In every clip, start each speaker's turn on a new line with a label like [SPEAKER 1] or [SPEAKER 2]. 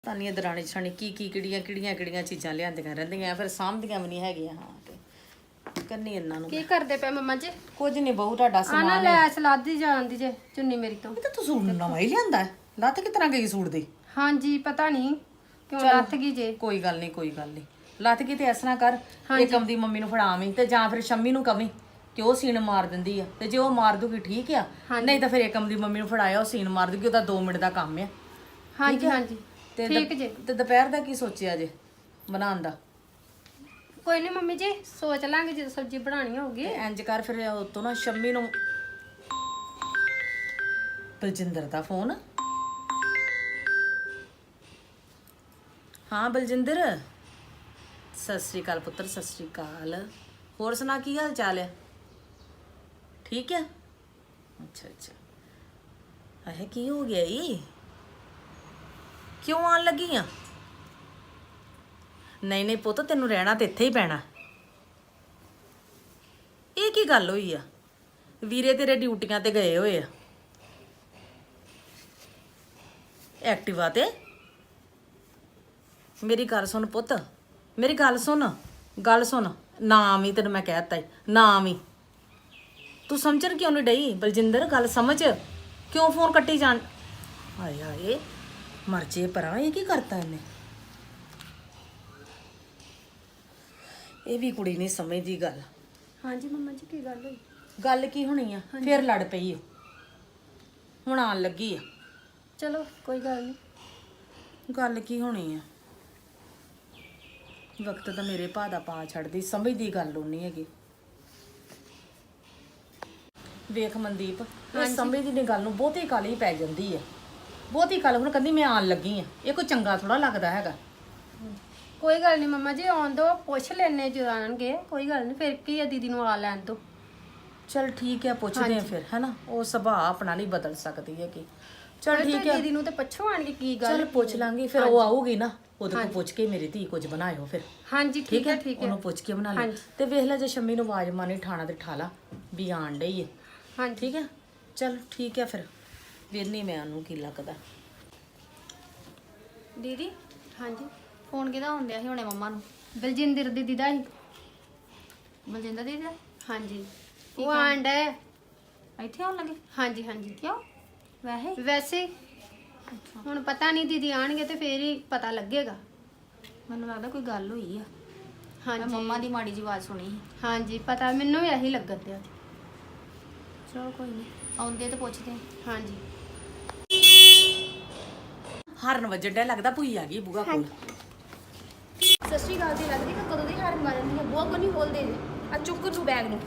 [SPEAKER 1] ਤਾਂ ਨਹੀਂ ਦਰਾਣੀ ਛਾਣੀ ਕੀ ਕਿਹੜੀਆਂ ਚੀਜ਼ਾਂ ਲਿਆਂਦੀਆਂ ਰਹਿੰਦੀਆਂ ਫਿਰ ਸਾਂਭਦੀਆਂ ਵੀ ਨਹੀਂ ਹੈਗੀਆਂ। ਹਾਂ ਤੇ ਕੰਨੀ ਇਹਨਾਂ ਨੂੰ
[SPEAKER 2] ਕੀ ਕਰਦੇ ਪਏ ਮੰਮਾ ਜੀ?
[SPEAKER 1] ਕੁਝ ਨਹੀਂ ਬਹੂ ਤੁਹਾਡਾ
[SPEAKER 2] ਆ ਨਾ
[SPEAKER 1] ਸਮਾਨ
[SPEAKER 2] ਲੈ ਸਲਾਦ ਦੀ ਜਾਂਦੀ ਜੇ ਚੁੰਨੀ ਮੇਰੀ ਤੋਂ।
[SPEAKER 1] ਇਹ ਤਾਂ ਤੂੰ ਸੂਟ ਨਵਾਂ ਹੀ ਲਿਆਂਦਾ ਲੱਤ ਕਿਸ ਤਰ੍ਹਾਂ ਗਈ ਸੂਟ ਦੀ?
[SPEAKER 2] ਹਾਂਜੀ ਪਤਾ ਨਹੀਂ ਕਿਉਂ ਲੱਥ ਗਈ ਜੇ।
[SPEAKER 1] ਕੋਈ ਗੱਲ ਨਹੀਂ ਲੱਤ ਗਈ ਤੇ ਇਸ ਤਰ੍ਹਾਂ ਕਰ ਏਕਮ ਦੀ ਮੰਮੀ ਨੂੰ ਫੜਾਵੀਂ ਤੇ ਜਾਂ ਫਿਰ ਸ਼ੰਮੀ ਨੂੰ ਕਵੀਂ ਕਿ ਉਹ ਸੀਨ ਮਾਰ ਦਿੰਦੀ ਆ ਤੇ ਜੇ ਉਹ ਮਾਰ ਦੂਗੀ ਠੀਕ ਆ ਨਹੀਂ ਤਾਂ ਫਿਰ ਏਕਮ ਦੀ ਮੰਮੀ ਨੂੰ ਫੜਾਇਆ ਉਹ ਸੀਨ ਮਾਰ ਦੂਗੀ ਉਹਦਾ 2 ਮਿੰਟ ਦਾ ਕੰਮ ਆ।
[SPEAKER 2] ਹਾਂਜੀ
[SPEAKER 1] ਤੇ
[SPEAKER 2] ਠੀਕ ਜੇ।
[SPEAKER 1] ਤੇ ਦੁਪਹਿਰ ਦਾ ਕੀ ਸੋਚਿਆ ਜੇ ਬਣਾਉਣ ਦਾ?
[SPEAKER 2] ਕੋਈ ਨਹੀਂ ਮੰਮੀ ਜੀ ਸੋਚ ਲਾਂਗੇ ਜਦੋਂ ਸਬਜ਼ੀ ਬਣਾਣੀ ਹੋਊਗੀ।
[SPEAKER 1] ਤੇ ਇੰਜ ਕਰ ਫਿਰ ਉਤੋਂ ਨਾ ਸ਼ੰਮੀ ਨੂੰ ਬਲਜਿੰਦਰ ਦਾ ਫੋਨ। ਹਾਂ ਬਲਜਿੰਦਰ ਸਤਿ ਸ੍ਰੀ ਅਕਾਲ ਪੁੱਤਰ ਸਤਿ ਸ੍ਰੀ ਅਕਾਲ। ਹੋਰ ਸੁਣਾ ਕੀ ਹਾਲ ਚਾਲ ਹੈ? ਠੀਕ ਹੈ ਅੱਛਾ ਆਹ ਕੀ ਹੋ ਗਿਆ ਈ? ਕਿਉਂ ਆਣ ਲੱਗੀ ਆ? ਨਹੀਂ ਪੁੱਤ ਤੈਨੂੰ ਰਹਿਣਾ ਤੇ ਇੱਥੇ ਹੀ ਪੈਣਾ। ਇਹ ਕੀ ਗੱਲ ਹੋਈ ਆ? ਵੀਰੇ ਤੇਰੇ ਡਿਊਟੀਆਂ ਤੇ ਗਏ ਹੋਏ ਆ ਐਕਟਿਵਾ ਤੇ। ਮੇਰੀ ਗੱਲ ਸੁਣ ਪੁੱਤ ਮੇਰੀ ਗੱਲ ਸੁਣ ਨਾ ਆਵੀਂ ਤੈਨੂੰ ਮੈਂ ਕਹਿ ਦਿੱਤਾ ਈ ਨਾ ਆਵੀਂ। ਤੂੰ ਸਮਝਣ ਕਿਉਂ ਨਹੀਂ ਡਈ ਬਲਜਿੰਦਰ? ਗੱਲ ਸਮਝ ਕਿਉਂ ਫੋਨ ਕੱਟੀ ਜਾਣ? ਹਾਏ ਮਰ ਜੇ ਪਰਾਂ ਇਹ ਕੀ ਕਰਤਾ ਇਹਨੇ? ਇਹ ਵੀ ਕੁੜੀ ਨਹੀਂ ਸਮਝਦੀ ਗੱਲ।
[SPEAKER 2] ਹਾਂਜੀ ਮੰਮਾ ਜੀ ਕੀ ਗੱਲ ਹੋਈ?
[SPEAKER 1] ਗੱਲ ਕੀ ਹੋਣੀ ਆ? ਫੇਰ ਲੜ ਪਈ ਓ ਹੁਣ ਆਣ ਲੱਗੀ ਆ।
[SPEAKER 2] ਚਲੋ ਕੋਈ ਗੱਲ ਨਹੀਂ।
[SPEAKER 1] ਗੱਲ ਕੀ ਹੋਣੀ ਆ? ਵਕਤ ਤਾਂ ਮੇਰੇ ਭਾ ਦਾ ਪਾ ਛੱਡਦੀ ਸਮਝਦੀ ਗੱਲ ਹੋਣੀ ਹੈਗੀ। ਵੇਖ ਮਨਦੀਪ ਇਹ ਸਮਝਦੀ ਨਹੀਂ ਗੱਲ ਨੂੰ ਬਹੁਤੀ ਕਾਲੀ ਪੈ ਜਾਂਦੀ ਆ ਬਹੁਤੀ ਕਾਲ। ਹੁਣ ਕਹਿੰਦੀ ਮੈਂ ਆਣ ਲੱਗੀ ਆ ਇਹ ਕੋਈ ਚੰਗਾ ਥੋੜਾ ਲੱਗਦਾ ਹੈਗਾ।
[SPEAKER 2] ਕੋਈ ਗੱਲ ਨਹੀਂ ਮੰਮਾ ਜੀ ਆਉਣ ਦੋ ਪੁੱਛ ਲੈਣੇ ਜੋ ਆਣਗੇ ਕੋਈ ਗੱਲ ਨਹੀਂ ਫਿਰ ਕੀ ਆ ਦੀਦੀ ਨੂੰ ਆ ਲੈਣ ਦੋ।
[SPEAKER 1] ਚਲ ਠੀਕ ਹੈ ਪੁੱਛਦੇ ਆ ਫਿਰ ਹੈਨਾ। ਉਹ ਸੁਭਾਅ ਆਪਣਾ ਨਹੀਂ ਬਦਲ ਸਕਦੀ ਹੈਗੀ। ਚਲ ਠੀਕ ਹੈ
[SPEAKER 2] ਦੀਦੀ ਨੂੰ ਤੇ ਪੁੱਛੋ ਆਣਗੇ ਕੀ ਗੱਲ।
[SPEAKER 1] ਚਲ ਪੁੱਛ ਲਾਂਗੇ ਫਿਰ ਉਹ ਆਊਗੀ ਨਾ ਉਹਦੇ ਕੋਲ ਪੁੱਛ ਕੇ ਮੇਰੀ ਧੀ ਕੁਝ ਬਣਾਇਓ ਫਿਰ।
[SPEAKER 2] ਹਾਂਜੀ ਠੀਕ ਹੈ
[SPEAKER 1] ਉਹਨੂੰ ਪੁੱਛ ਕੇ ਬਣਾ ਲੈ ਤੇ ਵੇਖ ਲੈ ਜੇ ਸ਼ੰਮੀ ਨੂੰ ਆਵਾਜ਼ ਮਾਰਨੀ ਠਾਣਾ ਤੇ ਠਾਲਾ ਵੀ ਆਣ ਡਈ ਹੈ।
[SPEAKER 2] ਹਾਂਜੀ
[SPEAKER 1] ਠੀਕ ਹੈ ਚਲ ਠੀਕ ਹੈ ਫਿਰ ਵੇਖਨੀ ਮੈਂ ਉਹਨੂੰ ਕੀ ਲੱਗਦਾ।
[SPEAKER 3] ਦੀਦੀ
[SPEAKER 2] ਹਾਂਜੀ
[SPEAKER 3] ਫੋਨ ਕਿਹਦਾ ਹੁੰਦਿਆ ਸੀ ਹੁਣੇ ਮੰਮਾ ਨੂੰ?
[SPEAKER 2] ਬਲਜਿੰਦਰ ਦੀਦੀ ਦਾ ਹੀ।
[SPEAKER 3] ਬਲਜਿੰਦਰ ਦੀਦੀ ਦਾ?
[SPEAKER 2] ਹਾਂਜੀ ਉਹ ਆਂਡ ਹੈ
[SPEAKER 3] ਇੱਥੇ ਆਉਣ ਲੱਗੇ?
[SPEAKER 2] ਹਾਂਜੀ
[SPEAKER 3] ਕਿਉਂ ਵੈਸੇ?
[SPEAKER 2] ਵੈਸੇ ਹੁਣ ਪਤਾ ਨਹੀਂ ਦੀਦੀ ਆਣਗੇ ਤੇ ਫੇਰ ਹੀ ਪਤਾ ਲੱਗੇਗਾ।
[SPEAKER 3] ਮੈਨੂੰ ਲੱਗਦਾ ਕੋਈ ਗੱਲ ਹੋਈ ਆ। ਮੈਂ
[SPEAKER 2] ਹਾਂਜੀ
[SPEAKER 3] ਮੰਮਾ ਦੀ ਮਾੜੀ ਜਿਹੀ ਆਵਾਜ਼ ਸੁਣੀ ਸੀ।
[SPEAKER 2] ਹਾਂਜੀ ਪਤਾ ਮੈਨੂੰ ਵੀ ਇਹੀ ਲੱਗਣ ਦਿਆ।
[SPEAKER 3] ਚਲੋ ਕੋਈ ਨਹੀਂ ਆਉਂਦੇ ਤੇ ਪੁੱਛਦੇ।
[SPEAKER 2] ਹਾਂਜੀ
[SPEAKER 1] ਹਾਰਨ ਵੱਜਣ ਡਿਆ ਲੱਗਦਾ ਭੂਈ ਆ ਗਈ ਬੂਹਾ ਕੋਲ।
[SPEAKER 4] ਸਤਿ ਸ਼੍ਰੀ ਅਕਾਲ ਦੀ ਲੱਗਦੀ ਕਿ ਕਦੋਂ ਦੀ ਹਾਰਨ ਮਾਰਨ ਦੀ ਹੈ। ਬੂਹਾ ਕੋ ਨਹੀਂ ਖੋਲਦੇ ਆ ਚੁੱਕ ਤੂੰ ਬੈਗ ਨੂੰ।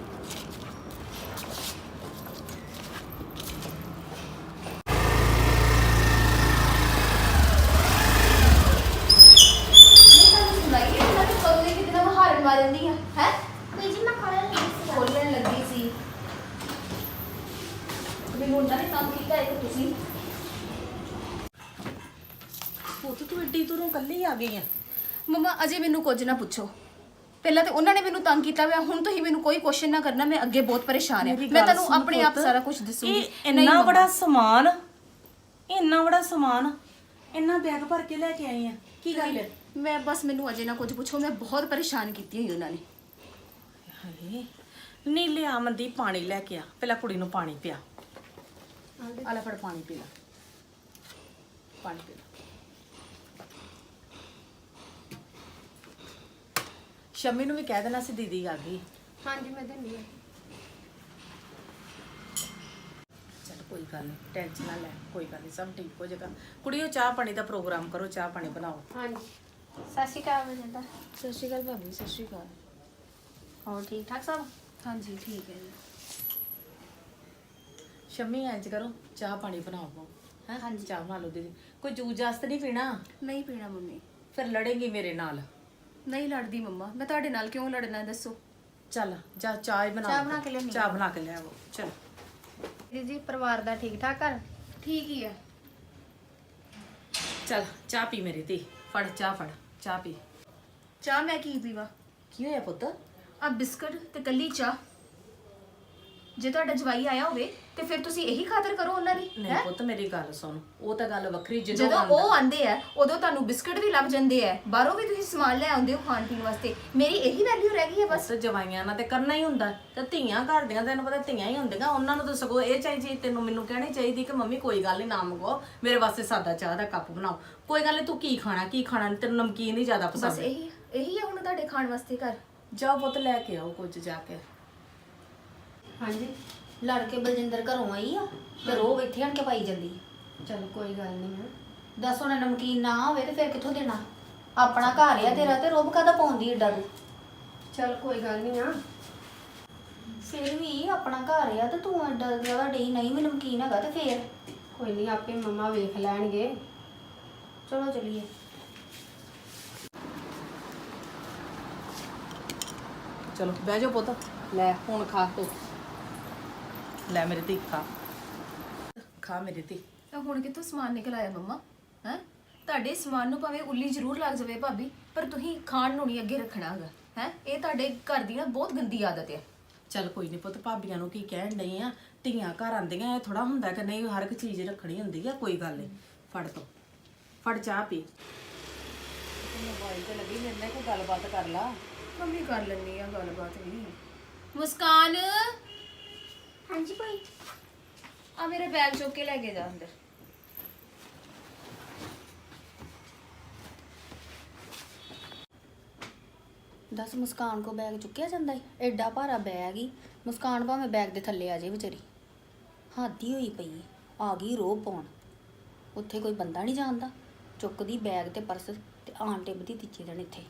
[SPEAKER 4] ਮਾਰਨ ਦੀ ਆ ਹੈ ਕੋਈ ਜੀ ਮੈਂ ਖੋਲਣ ਲੱਗੀ ਸੀ। ਮੈਨੂੰ ਉਹਨਾਂ ਨੇ ਕੰਮ ਕੀਤਾ ਇੱਕ ਤੁਸੀਂ
[SPEAKER 1] ਪੁੱਤ ਤੂੰ ਏਡੀ ਦੂਰੋਂ ਕੱਲੀ ਆ ਗਈ ਆ?
[SPEAKER 4] ਮਮਾ ਅਜੇ ਮੈਨੂੰ ਕੁਝ ਨਾ ਪੁੱਛੋ। ਪਹਿਲਾਂ ਤੇ ਉਹਨਾਂ ਨੇ ਮੈਨੂੰ ਤੰਗ ਕੀਤਾ ਹੋਇਆ ਹੁਣ ਤੁਸੀਂ ਮੈਨੂੰ ਕੋਈ ਕੁਐਸਚਨ ਨਾ ਕਰਨਾ। ਮੈਂ ਅੱਗੇ ਬਹੁਤ ਪਰੇਸ਼ਾਨ ਆ। ਮੈਂ ਤੁਹਾਨੂੰ ਆਪਣੇ ਆਪ ਸਾਰਾ ਕੁਝ ਦੱਸੂਗੀ।
[SPEAKER 1] ਇੰਨਾ ਬੜਾ ਸਮਾਨ ਇੰਨਾ ਬੈਗ ਭਰ ਕੇ ਲੈ ਕੇ ਆਈ ਆ ਕੀ ਗੱਲ ਹੈ?
[SPEAKER 4] ਮੈਂ ਬਸ ਮੈਨੂੰ ਅਜੇ ਨਾ ਕੁਝ ਪੁੱਛੋ। ਮੈਂ ਬਹੁਤ ਪਰੇਸ਼ਾਨ ਕੀਤੀ ਹੋਈ ਉਹਨਾਂ ਨੇ।
[SPEAKER 1] ਹਾਏ ਨਹੀਂ ਲਿਆ ਮਨਦੀਪ ਪਾਣੀ ਲੈ ਕੇ ਆ ਪਹਿਲਾਂ ਕੁੜੀ ਨੂੰ ਪਾਣੀ ਪਿਆ। ਆ ਲੈ ਫੜ ਪਾਣੀ ਪੀ ਲੈ ਪਾਣੀ ਪੀ ਲੈ। ਸ਼ਮੀ ਨੂੰ ਵੀ ਕਹਿ ਦੇਣਾ ਸੀ ਦੀਦੀ ਆ ਗਈ।
[SPEAKER 2] ਹਾਂਜੀ ਮੈਂ ਦਿੰਦੀ ਹਾਂ।
[SPEAKER 1] ਚਲ ਕੋਈ ਗੱਲ ਨਹੀਂ ਟੈਨਸ਼ਨ ਨਾ ਲੈ ਕੋਈ ਗੱਲ ਨਹੀਂ ਸਭ ਠੀਕ ਹੋ ਜਾਏਗਾ। ਕੁੜੀਓ ਚਾਹ ਪਾਣੀ ਦਾ ਪ੍ਰੋਗਰਾਮ ਕਰੋ ਚਾਹ ਪਾਣੀ ਬਣਾਓ।
[SPEAKER 2] ਹਾਂਜੀ ਸਤਿ ਸ਼੍ਰੀ ਅਕਾਲ ਬਲਜਿੰਦਰ।
[SPEAKER 4] ਸਤਿ ਸ਼੍ਰੀ ਅਕਾਲ ਭਾਬੀ ਸਤਿ ਸ਼੍ਰੀ ਅਕਾਲ।
[SPEAKER 3] ਹੋਰ ਠੀਕ ਠਾਕ ਸਭ?
[SPEAKER 4] ਹਾਂਜੀ ਠੀਕ ਹੈ ਜੀ।
[SPEAKER 1] ਸ਼ਮੀ ਇੰਜ ਕਰੋ ਚਾਹ ਪਾਣੀ ਬਣਾਓ ਹੈ। ਹਾਂਜੀ ਚਾਹ ਬਣਾ ਲਓ ਦੀਦੀ। ਕੋਈ ਜੂਸ ਜਾਸ ਤਾਂ ਨਹੀਂ ਪੀਣਾ?
[SPEAKER 4] ਨਹੀਂ ਪੀਣਾ ਮੰਮੀ।
[SPEAKER 1] ਫਿਰ ਲੜੇਂਗੀ ਮੇਰੇ ਨਾਲ।
[SPEAKER 4] ਨਹੀਂ ਲੜਦੀ ਮੰਮਾ। ਮੈਂ ਤੁਹਾਡੇ ਨਾਲ ਕਿਉਂ ਲੜਨਾ ਹੈ ਦੱਸੋ।
[SPEAKER 1] ਚੱਲ ਜਾ ਚਾਹ ਹੀ ਬਣਾ
[SPEAKER 3] ਚਾਹ ਬਣਾ ਕੇ ਲਿਆਉਣੀ ਆ।
[SPEAKER 1] ਚਾਹ ਬਣਾ ਕੇ ਲਿਆਓ ਚਲ।
[SPEAKER 2] ਦੀਦੀ ਪਰਿਵਾਰ ਦਾ ਠੀਕ ਠਾਕ ਘਰ?
[SPEAKER 4] ਠੀਕ ਹੀ ਹੈ।
[SPEAKER 1] ਚਲ ਚਾਹ ਪੀ ਮੇਰੀ ਧੀ ਫੜ ਚਾਹ ਪੀ।
[SPEAKER 4] ਚਾਹ ਮੈਂ ਕੀ ਪੀਵਾ?
[SPEAKER 1] ਕੀ ਹੋਇਆ ਪੁੱਤ?
[SPEAKER 4] ਆ ਬਿਸਕਟ ਤੇ ਕੱਲੀ ਚਾਹ। ਜੇ ਤੁਹਾਡਾ ਜਵਾਈ ਆਇਆ ਹੋਵੇ ਤੇ ਫਿਰ ਤੁਸੀਂ ਇਹੀ ਖਾਤਰ ਕਰੋ ਉਹਨਾਂ ਦੀ
[SPEAKER 1] ਨਹੀਂ ਪੁੱਤ ਮੇਰੀ ਗੱਲ ਸੁਣ, ਉਹ ਤਾਂ ਗੱਲ ਵੱਖਰੀ। ਜਦੋਂ
[SPEAKER 4] ਜਦੋਂ ਉਹ ਆਂਦੇ ਆ ਉਦੋਂ ਤੁਹਾਨੂੰ ਬਿਸਕਟ ਵੀ ਲੱਭ ਜਾਂਦੇ ਆ, ਬਾਹਰੋਂ ਵੀ ਤੁਸੀਂ ਸਮਾਨ ਲੈ ਆਉਂਦੇ ਹੋ ਖਾਣ ਪੀਣ ਵਾਸਤੇ। ਮੇਰੀ ਇਹੀ ਵੈਲਿਊ ਰਹਿ ਗਈ ਹੈ ਬਸ।
[SPEAKER 1] ਬਸ ਜਵਾਈਆਂ ਨਾਲ ਤੇ ਕਰਨਾ ਹੀ ਹੁੰਦਾ, ਤੇ ਧੀਆਂ ਘਰ ਦੀਆਂ ਤੈਨੂੰ ਪਤਾ ਧੀਆਂ ਹੀ ਹੁੰਦੀਆਂ, ਉਹਨਾਂ ਨੂੰ ਤਾਂ ਸਗੋਂ ਇਹ ਚਾਹੀਦੀ, ਤੈਨੂੰ ਮੈਨੂੰ ਕਹਿਣੀ ਚਾਹੀਦੀ ਕਿ ਮੰਮੀ ਕੋਈ ਗੱਲ ਨਹੀਂ ਨਾ ਮੰਗਵਾਓ, ਮੇਰੇ ਵਾਸਤੇ ਸਾਦਾ ਚਾਹ ਦਾ ਕੱਪ ਬਣਾਓ, ਕੋਈ ਗੱਲ ਨਹੀਂ, ਤੂੰ ਕੀ ਖਾਣਾ ਨਹੀਂ, ਤੈਨੂੰ ਨਮਕੀਨ ਹੀ ਜ਼ਿਆਦਾ
[SPEAKER 4] ਬਸ
[SPEAKER 1] ਪਸੰਦ ਹੈ।
[SPEAKER 4] ਇਹੀ ਹੈ ਹੁਣ ਤੁਹਾਡੇ ਖਾਣ ਵਾਸਤੇ ਘਰ।
[SPEAKER 1] ਜਾਓ ਪੁੱਤ ਲੈ ਕੇ ਆਓ ਕੁਝ ਜਾ ਕੇ।
[SPEAKER 3] ਹਾਂਜੀ ਲੜ ਕੇ ਬਲਜਿੰਦਰ ਘਰੋਂ ਆਈ ਆ ਤੇ ਰੋਬ ਇੱਥੇ ਆਣ ਕੇ ਪਾਈ ਜਾਂਦੀ ਆ।
[SPEAKER 2] ਚਲ ਕੋਈ ਗੱਲ ਨਹੀਂ ਆ।
[SPEAKER 3] ਦੱਸ ਹੁਣ ਨਮਕੀਨ ਨਾ ਹੋਵੇ ਤੇ ਫਿਰ ਕਿੱਥੋਂ ਦੇਣਾ? ਆਪਣਾ ਘਰ ਆ ਤੇਰਾ ਤੇ ਰੋਬ ਕਾਹਦਾ ਪਾਉਂਦੀ ਏਡਾ ਤੂੰ?
[SPEAKER 2] ਚਲ ਕੋਈ ਗੱਲ ਨਹੀਂ ਆ।
[SPEAKER 3] ਫਿਰ ਵੀ ਆਪਣਾ ਘਰ ਆ ਤੇ ਤੂੰ ਏਡਾ ਜ਼ਿਆਦਾ ਡਈ ਨਹੀਂ ਵੀ ਨਮਕੀਨ ਹੈਗਾ ਤੇ ਫੇਰ
[SPEAKER 2] ਕੋਈ ਨਹੀਂ ਆਪੇ ਮੰਮਾ ਵੇਖ ਲੈਣਗੇ।
[SPEAKER 3] ਚਲੋ ਚੱਲੀਏ।
[SPEAKER 1] ਚਲੋ ਬਹਿ ਜਾਓ ਪੁੱਤ, ਲੈ ਹੁਣ ਖਾ ਤੂੰ, ਲੈ ਮੇਰੇ ਧੀ ਖਾ ਮੇਰੀ ਧੀ।
[SPEAKER 4] ਤਾਂ ਹੁਣ ਕਿੱਥੋਂ ਸਮਾਨ ਨਿਕਲ ਆਇਆ ਮੰਮਾ? ਹੈ ਤੁਹਾਡੇ ਸਮਾਨ ਨੂੰ ਭਾਵੇਂ ਉੱਲੀ ਜ਼ਰੂਰ ਲੱਗ ਜਾਵੇ ਭਾਬੀ, ਪਰ ਤੁਸੀਂ ਖਾਣ ਨੂੰ ਨਹੀਂ ਅੱਗੇ ਰੱਖਣਾ ਹੈਗਾ। ਹੈ ਇਹ ਤੁਹਾਡੇ ਘਰ ਦੀ ਨਾ ਬਹੁਤ ਗੰਦੀ ਆਦਤ ਹੈ।
[SPEAKER 1] ਚੱਲ ਕੋਈ ਨਹੀਂ ਪੁੱਤ, ਭਾਬੀਆਂ ਨੂੰ ਕੀ ਕਹਿਣ ਡਈ ਆ, ਧੀਆਂ ਘਰ ਆਂਦੀਆਂ, ਇਹ ਥੋੜਾ ਹੁੰਦਾ ਕਿ ਨਹੀਂ ਹਰ ਇੱਕ ਚੀਜ਼ ਰੱਖਣੀ ਹੁੰਦੀ ਆ। ਕੋਈ ਗੱਲ ਨਹੀਂ, ਫੜ ਚਾਹ ਪੀ। ਮੋਬਾਈਲ ਤੇ ਲੱਗੀ, ਮੇਰੇ ਨਾਲ ਕੋਈ ਗੱਲਬਾਤ ਕਰ ਲਾ।
[SPEAKER 4] ਮੰਮੀ ਕਰ ਲੈਣੀ ਆ ਗੱਲਬਾਤ ਵੀ। ਮੁਸਕਾਨ,
[SPEAKER 3] ਹਾਂਜੀ ਭਾਈ।
[SPEAKER 4] ਆ ਮੇਰਾ ਬੈਗ ਚੁੱਕ ਕੇ ਲੈ ਕੇ ਜਾ ਅੰਦਰ।
[SPEAKER 3] ਦੱਸ ਮੁਸਕਾਨ ਕੋ ਬੈਗ ਚੁੱਕਿਆ ਜਾਂਦਾ ਏ? ਐਡਾ ਭਾਰਾ ਬੈਗ ਹੀ, ਮੁਸਕਾਨ ਭਾਵੇਂ ਬੈਗ ਦੇ ਥੱਲੇ ਆ ਜਾਏ ਵਿਚਾਰੀ। ਹਾਦੀ ਹੋਈ ਪਈ ਏ, ਆ ਗਈ ਰੋਬ ਪਾਉਣ। ਉੱਥੇ ਕੋਈ ਬੰਦਾ ਨਹੀਂ ਜਾਣਦਾ, ਚੁੱਕਦੀ ਬੈਗ ਤੇ ਪਰਸ ਤੇ ਆਣ ਟਿੱਬਦੀ ਤੀਜੇ ਦਿਨ ਇੱਥੇ।